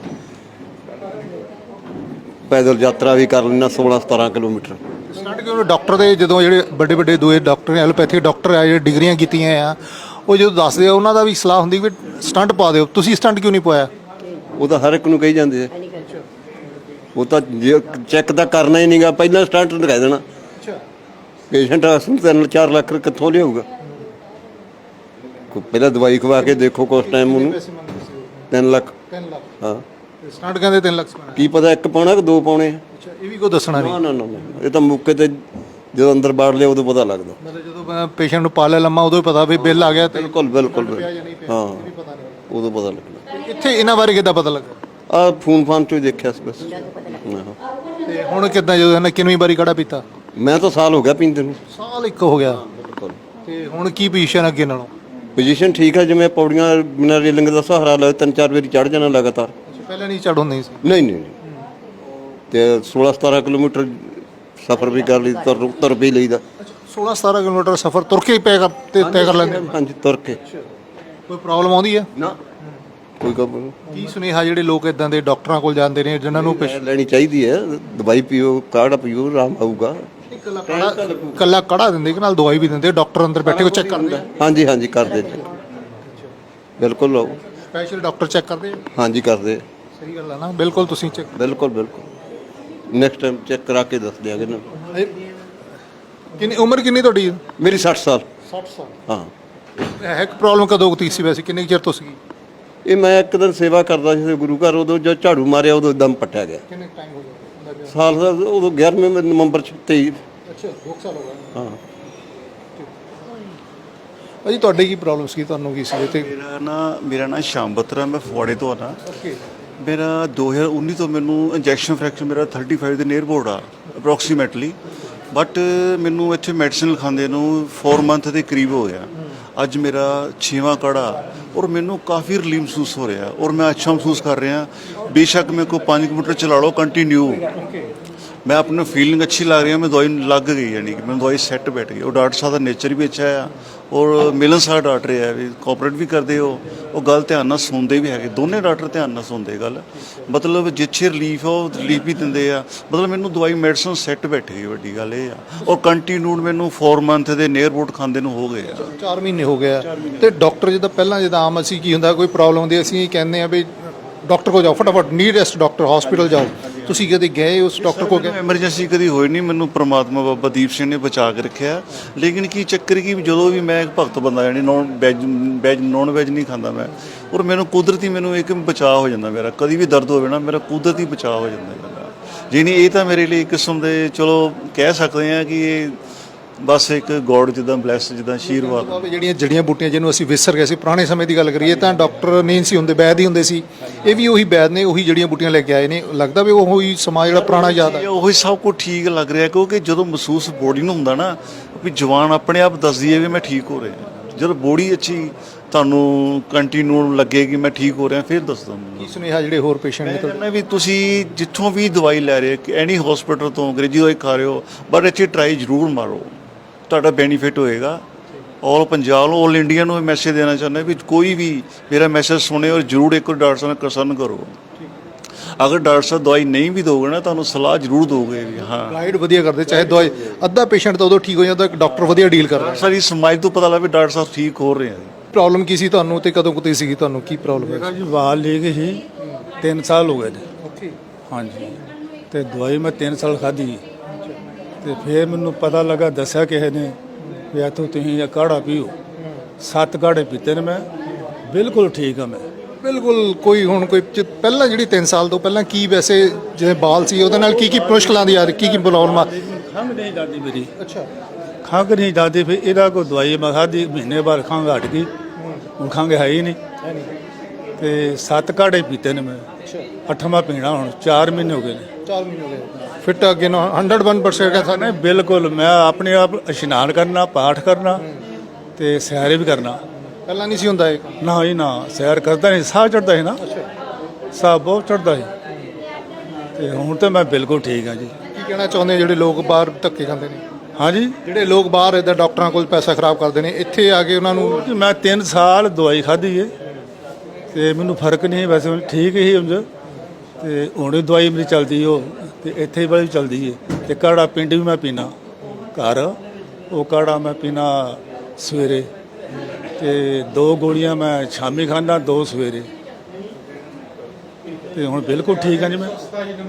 ਪੈਦਲ ਯਾਤਰਾ ਵੀ ਕਰ ਲੈਣਾ ਸੋਲਾਂ ਸਤਾਰਾਂ ਕਿਲੋਮੀਟਰ। ਸਟੰਟ ਕਿਉਂ? ਡਾਕਟਰ ਦੇ ਜਦੋਂ ਜਿਹੜੇ ਵੱਡੇ ਵੱਡੇ ਦੋਏ ਡਾਕਟਰ ਨੇ, ਐਲੋਪੈਥਿਕ ਡਾਕਟਰ ਆ ਜਿਹੜੇ ਡਿਗਰੀਆਂ ਕੀਤੀਆਂ ਆ, ਉਹ ਜਦੋਂ ਦੱਸਦੇ ਆ ਉਹਨਾਂ ਦਾ ਵੀ ਸਲਾਹ ਹੁੰਦੀ ਵੀ ਸਟੰਟ ਪਾ ਦਿਓ। ਤੁਸੀਂ ਸਟੰਟ ਕਿਉਂ ਨਹੀਂ ਪਾਇਆ? ਉਹ ਤਾਂ ਹਰ ਇੱਕ ਨੂੰ ਕਹੀ ਜਾਂਦੇ ਆ, ਉਹ ਤਾਂ ਜੇ ਚੈੱਕ ਤਾਂ ਕਰਨਾ ਹੀ ਨਹੀਂਗਾ, ਪਹਿਲਾਂ ਸਟੰਟ ਦਿਖਾ ਦੇਣਾ। ਅੱਛਾ, ਪੇਸ਼ੈਂਟ ਤਿੰਨ ਚਾਰ ਲੱਖ ਕਿੱਥੋਂ ਲਿਆਊਗਾ? ਕੋਈ ਪਹਿਲਾਂ ਦਵਾਈ ਖਵਾ ਕੇ ਦੇਖੋ, ਕੁਛ ਟਾਈਮ ਉਹਨੂੰ ਤਿੰਨ ਲੱਖ। ਤਿੰਨ ਲੱਖ? ਹਾਂ, ਸਟੰਟ ਕਹਿੰਦੇ ਤਿੰਨ ਲੱਖ ਪਾਣਾ। ਕੀ ਪਤਾ ਇੱਕ ਪਾਉਣਾ ਕਿ ਦੋ ਪਾਉਣੇ ਆ। ਅੱਛਾ, ਇਹ ਵੀ ਕੋਈ ਦੱਸਣਾ ਨਹੀਂ? ਨਾ ਨਾ ਨਾ ਨਾ, ਇਹ ਤਾਂ ਮੌਕੇ ਤੇ ਜਦੋਂ ਅੰਦਰ ਬਾੜ ਲਿਆ ਉਦੋਂ ਪਤਾ ਲੱਗਦਾ। ਮਤਲਬ ਜਦੋਂ ਪੇਸ਼ੈਂਟ ਨੂੰ ਪਾ ਲਿਆ ਲੰਮਾ, ਉਦੋਂ ਹੀ ਪਤਾ ਵੀ ਬਿੱਲ ਆ ਗਿਆ ਤੇ ਬਿਲਕੁਲ ਬਿਲਕੁਲ ਪਿਆ ਜਾਂ ਨਹੀਂ ਪਿਆ, ਹਾਂ, ਇਹ ਵੀ ਪਤਾ ਨਹੀਂ। ਉਦੋਂ ਪਤਾ ਲੱਗਣਾ। ਇੱਥੇ ਇਹਨਾਂ ਬਾਰੇ ਕਿੱਦਾਂ ਪਤਾ ਲੱਗਾ? ਆ ਫੋਨ ਫਾਨ ਚੋਂ ਹੀ ਦੇਖਿਆ ਸੀ ਬਸ। ਆਹੋ। ਤੇ ਹੁਣ ਕਿੱਦਾਂ, ਜਦੋਂ ਇਹਨਾਂ ਕਿੰਨੀ ਵਾਰੀ ਕਾੜਾ ਪੀਤਾ? ਮੈਂ ਤਾਂ ਸਾਲ ਹੋ ਗਿਆ ਪੀਂਦੇ ਨੂੰ। ਸਾਲ ਇੱਕ ਹੋ ਗਿਆ। ਬਿਲਕੁਲ। ਤੇ ਹੁਣ ਕੀ ਪੋਜੀਸ਼ਨ ਅੱਗੇ ਨਾਲੋਂ? ਪੋਜੀਸ਼ਨ ਠੀਕ ਹੈ, ਜਿਵੇਂ ਪੌੜੀਆਂ ਬਿਨਾਂ ਰੇਲਿੰਗ ਦਾ ਸਹਾਰਾ ਲਏ ਤਿੰਨ ਚਾਰ ਵਾਰੀ ਚੜ ਜਾਣਾ ਲਗਾਤਾਰ। ਪਹਿਲਾਂ ਨਹੀਂ ਚੜ੍ਹ ਹੁੰਦੀ ਸੀ? ਨਹੀਂ ਨਹੀਂ ਨਹੀਂ। ਤੇ ਸੋਲਾਂ ਸਤਾਰਾਂ ਕਿਲੋਮੀਟਰ ਸਫ਼ਰ ਵੀ ਕਰ ਲਈ, ਤੁਰ ਤੁਰ ਵੀ ਲਈਦਾ। ਸੋਲਾਂ ਸਤਾਰਾਂ ਕਿਲੋਮੀਟਰ ਸਫ਼ਰ ਤੁਰ ਕੇ ਪੈ ਕਰ ਤੇ ਤੈਅ ਕਰ ਲੈਂਦੇ? ਹਾਂਜੀ, ਤੁਰ ਕੇ। ਕੋਈ ਪ੍ਰੋਬਲਮ ਆਉਂਦੀ ਹੈ? ਨਾ ਕੋਈ ਕੰਮ ਕੀ ਸੁਨੇਹਾ ਜਿਹੜੇ ਲੋਕ ਇਦਾਂ ਦੇ ਡਾਕਟਰਾਂ ਕੋਲ ਜਾਂਦੇ ਨੇ ਜਿਨ੍ਹਾਂ ਨੂੰ ਨਹੀਂ ਲੈਣੀ ਚਾਹੀਦੀ ਹੈ, ਦਵਾਈ ਪੀਓ, ਕਾੜਾ ਪੀਓ, ਆਰਾਮ ਆਊਗਾ। ਕੱਲਾ ਕੜਾ ਦਿੰਦੇ ਕਿ ਨਾਲ ਦਵਾਈ ਵੀ ਦਿੰਦੇ? ਡਾਕਟਰ ਅੰਦਰ ਬੈਠੇ ਕੋ ਚੈੱਕ ਕਰਦੇ? ਹਾਂਜੀ ਹਾਂਜੀ ਕਰਦੇ ਜੀ, ਬਿਲਕੁਲ ਲਓ। ਸਪੈਸ਼ਲ ਡਾਕਟਰ ਚੈੱਕ ਕਰਦੇ? ਹਾਂਜੀ ਕਰਦੇ। ਸਹੀ ਗੱਲ ਹੈ ਨਾ, ਬਿਲਕੁਲ ਤੁਸੀਂ ਚੈੱਕ। ਬਿਲਕੁਲ ਬਿਲਕੁਲ, ਨੈਕਸਟ ਟਾਈਮ ਚੈੱਕ ਕਰਾ ਕੇ ਦੱਸ ਦਿਆਂਗੇ ਨਾ। ਕਿੰਨੀ ਉਮਰ ਕਿੰਨੀ ਤੁਹਾਡੀ? ਮੇਰੀ ਸੱਠ ਸਾਲ। ਸੱਠ ਸਾਲ। ਹਾਂ। ਹੈ ਕਿ ਪ੍ਰੋਬਲਮ ਕਦੋਂ ਕੁ ਸੀ ਵੈਸੇ, ਕਿੰਨੇ ਕੁ ਚਿਰ ਤੋਂ ਸੀਗੀ? ਇਹ ਮੈਂ ਇੱਕ ਦਿਨ ਸੇਵਾ ਕਰਦਾ ਸੀ ਗੁਰੂ ਘਰ, ਉਦੋਂ ਜਦ ਝਾੜੂ ਮਾਰਿਆ ਉਦੋਂ ਦਮ ਪੱਟਿਆ ਗਿਆ। ਕਿੰਨੇ ਟਾਈਮ ਹੋ ਗਿਆ? ਸਾਲ ਦਾ ਉਦੋਂ ਗਿਆਰਵੇਂ ਨਵੰਬਰ ਚ ਤੇਈ ਅੱਛਾ ਦੋ ਸਾਲ ਹੋ ਗਏ ਹਾਂ ਭਾਜੀ ਤੁਹਾਡੇ ਕੀ ਪ੍ਰੋਬਲਮ ਸੀ ਤੁਹਾਨੂੰ ਕੀ ਸੀ ਤੇ ਮੇਰਾ ਨਾ ਮੇਰਾ ਨਾ ਸ਼ਾਮ ਬਤਰਾ ਮੈਂ ਫਗਵਾੜੇ ਤੋਂ ਆਣਾ ਓਕੇ ਮੇਰਾ ਦੋ ਹਜ਼ਾਰ ਉੱਨੀ ਤੋਂ ਮੈਨੂੰ ਇੰਜੈਕਸ਼ਨ ਫ੍ਰੈਕਚਰ ਮੇਰਾ ਪੈਂਤੀ ਦੇ ਨੀਅਰ ਬੋਰਡ ਆ ਅਪਰੋਕਸੀਮੇਟਲੀ ਬਟ ਮੈਨੂੰ ਇੱਥੇ ਮੈਡੀਸਿਨ ਲਿਖਾਉਂਦੇ ਨੂੰ ਚਾਰ ਮੰਥ ਦੇ ਕਰੀਬ ਹੋ ਗਿਆ ਅੱਜ ਮੇਰਾ ਛੇਵਾਂ ਕਾੜਾ ਔਰ ਮੈਨੂੰ ਕਾਫੀ ਰਿਲੀਫ ਮਹਿਸੂਸ ਹੋ ਰਿਹਾ ਔਰ ਮੈਂ ਅੱਛਾ ਮਹਿਸੂਸ ਕਰ ਰਿਹਾ ਬੇਸ਼ੱਕ ਮੇਰੇ ਕੋ ਪੰਜ ਕਿਲੋਮੀਟਰ ਚਲਾ ਲਓ ਕੰਟੀਨਿਊ ਮੈਂ ਆਪਣੀ ਫੀਲਿੰਗ ਅੱਛੀ ਲੱਗ ਰਹੀ ਹੈ ਮੈਂ ਦਵਾਈ ਲੱਗ ਗਈ ਯਾਨੀ ਕਿ ਮੈਨੂੰ ਦਵਾਈ ਸੈੱਟ ਬੈਠ ਗਈ ਉਹ ਡਾਕਟਰ ਸਾਹਿਬ ਦਾ ਨੇਚਰ ਵੀ ਅੱਛਾ ਆ ਔਰ ਮਿਲਨਸਾਰ ਡਾਕਟਰ ਹੈ ਵੀ ਕੋਆਪਰੇਟ ਵੀ ਕਰਦੇ ਹੋ ਉਹ ਗੱਲ ਧਿਆਨ ਨਾਲ ਸੁਣਦੇ ਵੀ ਹੈਗੇ ਦੋਨੇ ਡਾਕਟਰ ਧਿਆਨ ਨਾਲ ਸੁਣਦੇ ਗੱਲ ਮਤਲਬ ਜਿੱਥੇ ਰਿਲੀਫ ਆ ਉਹ ਰਿਲੀਫ ਵੀ ਦਿੰਦੇ ਆ ਮਤਲਬ ਮੈਨੂੰ ਦਵਾਈ ਮੈਡੀਸਨ ਸੈੱਟ ਬੈਠ ਗਈ ਵੱਡੀ ਗੱਲ ਇਹ ਆ ਔਰ ਕੰਟੀਨਿਊਡ ਮੈਨੂੰ ਚਾਰ ਮੰਥ ਦੇ ਨੀਅਰ ਅਬਾਊਟ ਖਾਂਦੇ ਨੂੰ ਹੋ ਗਏ ਆ ਚਾਰ ਮਹੀਨੇ ਹੋ ਗਿਆ ਤੇ ਡਾਕਟਰ ਜਿੱਦਾਂ ਪਹਿਲਾਂ ਜਿੱਦਾਂ ਆਮ ਅਸੀਂ ਕੀ ਹੁੰਦਾ ਕੋਈ ਪ੍ਰੋਬਲਮ ਹੁੰਦੀ ਅਸੀਂ ਕਹਿੰਦੇ ਆ ਵੀ ਡਾਕਟਰ ਕੋਲ ਜਾਓ ਫਟਾਫਟ ਨੀਅਰੈਸਟ ਡਾਕਟਰ ਹਸਪੀਟਲ ਜਾਓ ਤੁਸੀਂ ਕਦੇ ਗਏ ਉਸ ਡਾਕਟਰ ਕੋਲ ਗਏ ਐਮਰਜੈਂਸੀ ਕਦੀ ਹੋਈ ਨਹੀਂ ਮੈਨੂੰ ਪ੍ਰਮਾਤਮਾ ਬਾਬਾ ਦੀਪ ਸਿੰਘ ਨੇ ਬਚਾ ਕੇ ਰੱਖਿਆ ਲੇਕਿਨ ਕੀ ਚੱਕਰ ਕੀ ਜਦੋਂ ਵੀ ਮੈਂ ਇੱਕ ਭਗਤ ਬੰਦਾ ਜਾਨੀ non veg veg non veg ਨਹੀਂ ਖਾਂਦਾ ਮੈਂ ਔਰ ਮੈਨੂੰ ਕੁਦਰਤੀ ਮੈਨੂੰ ਇੱਕ ਬਚਾਅ ਹੋ ਜਾਂਦਾ ਮੇਰਾ ਕਦੀ ਵੀ ਦਰਦ ਹੋਵੇ ਨਾ ਮੇਰਾ ਕੁਦਰਤੀ ਬਚਾਅ ਹੋ ਜਾਂਦਾ ਮੇਰਾ ਜੀ ਨਹੀਂ ਇਹ ਤਾਂ ਮੇਰੇ ਲਈ ਇੱਕ ਕਿਸਮ ਦੇ ਚਲੋ ਕਹਿ ਸਕਦੇ ਆ ਕਿ ਇਹ ਬਸ ਇੱਕ ਗੋਡ ਜਿੱਦਾਂ ਬਲੈਸ ਜਿੱਦਾਂ ਆਸ਼ੀਰਵਾਦ ਜਿਹੜੀਆਂ ਜੜੀਆਂ ਬੂਟੀਆਂ ਜਿਹਨੂੰ ਅਸੀਂ ਵਿਸਰ ਗਏ ਸੀ ਪੁਰਾਣੇ ਸਮੇਂ ਦੀ ਗੱਲ ਕਰੀਏ ਤਾਂ ਡਾਕਟਰ ਨਹੀਂ ਸੀ ਹੁੰਦੇ ਵੈਦ ਹੀ ਹੁੰਦੇ ਸੀ ਇਹ ਵੀ ਉਹੀ ਵੈਦ ਨੇ ਉਹੀ ਜੜੀਆਂ ਬੂਟੀਆਂ ਲੈ ਕੇ ਆਏ ਨੇ ਲੱਗਦਾ ਵੀ ਉਹੀ ਸਮਾਂ ਜਿਹੜਾ ਪੁਰਾਣਾ ਯਾਦ ਆ ਉਹੀ ਸਭ ਕੁਝ ਠੀਕ ਲੱਗ ਰਿਹਾ ਕਿਉਂਕਿ ਜਦੋਂ ਮਹਿਸੂਸ ਬੋਡੀ ਨੂੰ ਹੁੰਦਾ ਨਾ ਵੀ ਜਵਾਨ ਆਪਣੇ ਆਪ ਦੱਸਦੀ ਹੈ ਵੀ ਮੈਂ ਠੀਕ ਹੋ ਰਿਹਾ ਜਦੋਂ ਬੋਡੀ ਅੱਛੀ ਤੁਹਾਨੂੰ ਕੰਟੀਨਿਊ ਲੱਗੇ ਕਿ ਮੈਂ ਠੀਕ ਹੋ ਰਿਹਾ ਫਿਰ ਦੱਸ ਦੋ ਕੀ ਸੁਨੇਹਾ ਜਿਹੜੇ ਹੋਰ ਪੇਸ਼ੈਂਟ ਨੇ ਕਹਿੰਦਾ ਵੀ ਤੁਸੀਂ ਜਿੱਥੋਂ ਵੀ ਦਵਾਈ ਲੈ ਰਹੇ ਹੋ ਐਨੀ ਹਸਪੀਟਲ ਤੋਂ ਅੰਗਰੇਜ਼ੀ ਦਵਾਈ ਖਾ ਰਹੇ ਹੋ ਬਟ ਇੱਥੇ ਟਰਾਈ ਜ਼ਰੂਰ ਮਾਰੋ ਤੁਹਾਡਾ ਬੈਨੀਫਿਟ ਹੋਏਗਾ ਆਲ ਪੰਜਾਬ ਨੂੰ ਆਲ ਇੰਡੀਆ ਨੂੰ ਮੈਸੇਜ ਦੇਣਾ ਚਾਹੁੰਦਾ ਵੀ ਕੋਈ ਵੀ ਮੇਰਾ ਮੈਸੇਜ ਸੁਣੇ ਔਰ ਜ਼ਰੂਰ ਇੱਕ ਵਾਰ ਡਾਕਟਰ ਸਾਹਿਬ ਨਾਲ ਕੰਸਰਨ ਕਰੋ ਅਗਰ ਡਾਕਟਰ ਸਾਹਿਬ ਦਵਾਈ ਨਹੀਂ ਵੀ ਦੋਗੇ ਨਾ ਤੁਹਾਨੂੰ ਸਲਾਹ ਜ਼ਰੂਰ ਦੋਗੇ ਵੀ ਹਾਂ ਗਾਈਡ ਵਧੀਆ ਕਰਦੇ ਚਾਹੇ ਦਵਾਈ ਅੱਧਾ ਪੇਸ਼ੈਂਟ ਤਾਂ ਉਦੋਂ ਠੀਕ ਹੋ ਜਾਂਦਾ ਡਾਕਟਰ ਵਧੀਆ ਡੀਲ ਕਰਦਾ ਸਾਰੀ ਸਮਾਜ ਤੋਂ ਪਤਾ ਲੱਗੇ ਡਾਕਟਰ ਸਾਹਿਬ ਠੀਕ ਹੋ ਰਹੇ ਆ ਪ੍ਰੋਬਲਮ ਕੀ ਸੀ ਤੁਹਾਨੂੰ ਤੇ ਕਦੋਂ ਕੁਤੇ ਸੀਗੀ ਤੁਹਾਨੂੰ ਕੀ ਪ੍ਰੋਬਲਮ ਹੈ ਮੇਰਾ ਜੀ ਵਾਲ ਲੀਕ ਸੀ ਤਿੰਨ ਸਾਲ ਹੋ ਗਏ ਨੇ ਹਾਂਜੀ ਤੇ ਦਵਾਈ ਮੈਂ ਤਿੰਨ ਸਾਲ ਖਾਧੀ ਤੇ ਫਿਰ ਮੈਨੂੰ ਪਤਾ ਲੱਗਾ ਦੱਸਿਆ ਕਿਸੇ ਨੇ ਵੀ ਇੱਥੋਂ ਤੁਸੀਂ ਇਹ ਕਾੜਾ ਪੀਓ ਸੱਤ ਕਾੜੇ ਪੀਤੇ ਨੇ ਮੈਂ ਬਿਲਕੁਲ ਠੀਕ ਆ ਮੈਂ ਬਿਲਕੁਲ ਕੋਈ ਹੁਣ ਕੋਈ ਚ- ਪਹਿਲਾਂ ਜਿਹੜੀ ਤਿੰਨ ਸਾਲ ਤੋਂ ਪਹਿਲਾਂ ਕੀ ਵੈਸੇ ਜਿਵੇਂ ਬਾਲ ਸੀ ਉਹਦੇ ਨਾਲ ਕੀ ਕੀ ਮੁਸ਼ਕਲਾਂ ਦੀ ਆ ਰਹੀ ਕੀ ਕੀ ਪ੍ਰੋਬਲਮ ਆ ਖੰਘ ਨਹੀਂ ਜਾਂਦੀ ਮੇਰੀ ਅੱਛਾ ਖੰਘ ਨਹੀਂ ਜਾਂਦੀ ਫਿਰ ਇਹਦਾ ਕੋਈ ਦਵਾਈ ਮੈਂ ਖਾਧੀ ਮਹੀਨੇ ਬਾਅਦ ਖੰਘ ਹਟ ਗਈ ਹੁਣ ਖੰਘ ਹੈ ਹੀ ਨਹੀਂ ਤੇ ਸੱਤ ਕਾੜੇ ਪੀਤੇ ਨੇ ਮੈਂ ਅੱਠਵਾਂ ਪੀਣਾ ਹੁਣ ਚਾਰ ਮਹੀਨੇ ਹੋ ਗਏ ਨੇ ਚਾਰ ਮਹੀਨੇ ਹੋ ਗਏ ਫਿੱਟ ਅੱਗੇ ਨਾ ਇੱਕ ਸੌ ਇੱਕ ਪਰਸੈਂਟ ਕਹਿੰਦਾ ਨਹੀਂ ਬਿਲਕੁਲ ਮੈਂ ਆਪਣੇ ਆਪ ਇਸ਼ਨਾਨ ਕਰਨਾ ਪਾਠ ਕਰਨਾ ਤੇ ਸੈਰ ਵੀ ਕਰਨਾ ਪਹਿਲਾਂ ਨਹੀਂ ਸੀ ਹੁੰਦਾ ਇਹ ਨਾ ਹੀ ਨਾ ਸੈਰ ਕਰਦਾ ਨਹੀਂ ਸਾਹ ਚੜਦਾ ਸੀ ਨਾ ਸਾਹ ਬਹੁਤ ਚੜਦਾ ਸੀ ਤੇ ਹੁਣ ਤਾਂ ਮੈਂ ਬਿਲਕੁਲ ਠੀਕ ਹਾਂ ਜੀ ਕੀ ਕਹਿਣਾ ਚਾਹੁੰਦੇ ਜਿਹੜੇ ਲੋਕ ਬਾਹਰ ਧੱਕੇ ਖਾਂਦੇ ਨੇ ਹਾਂਜੀ ਜਿਹੜੇ ਲੋਕ ਬਾਹਰ ਇਦਾਂ ਡਾਕਟਰਾਂ ਕੋਲ ਪੈਸਾ ਖਰਾਬ ਕਰਦੇ ਨੇ ਇੱਥੇ ਆ ਕੇ ਉਹਨਾਂ ਨੂੰ ਜੀ ਮੈਂ ਤਿੰਨ ਸਾਲ ਦਵਾਈ ਖਾਧੀ ਏ ਤੇ ਮੈਨੂੰ ਫਰਕ ਨਹੀਂ ਵੈਸੇ ਮੈਨੂੰ ਠੀਕ ਹੀ ਉਂਝ ਤੇ ਹੁਣ ਵੀ ਦਵਾਈ ਮੇਰੀ ਚੱਲਦੀ ਉਹ ਤੇ ਇੱਥੇ ਵਾਲੀ ਵੀ ਚੱਲਦੀ ਏ ਤੇ ਕਾੜਾ ਪਿੰਡ ਵੀ ਮੈਂ ਪੀਣਾ ਘਰ ਉਹ ਕਾੜਾ ਮੈਂ ਪੀਣਾ ਸਵੇਰੇ ਤੇ ਦੋ ਗੋਲੀਆਂ ਮੈਂ ਸ਼ਾਮੀ ਖਾਂਦਾ ਦੋ ਸਵੇਰੇ ਤੇ ਹੁਣ ਬਿਲਕੁਲ ਠੀਕ ਹਾਂ ਜੀ ਮੈਂ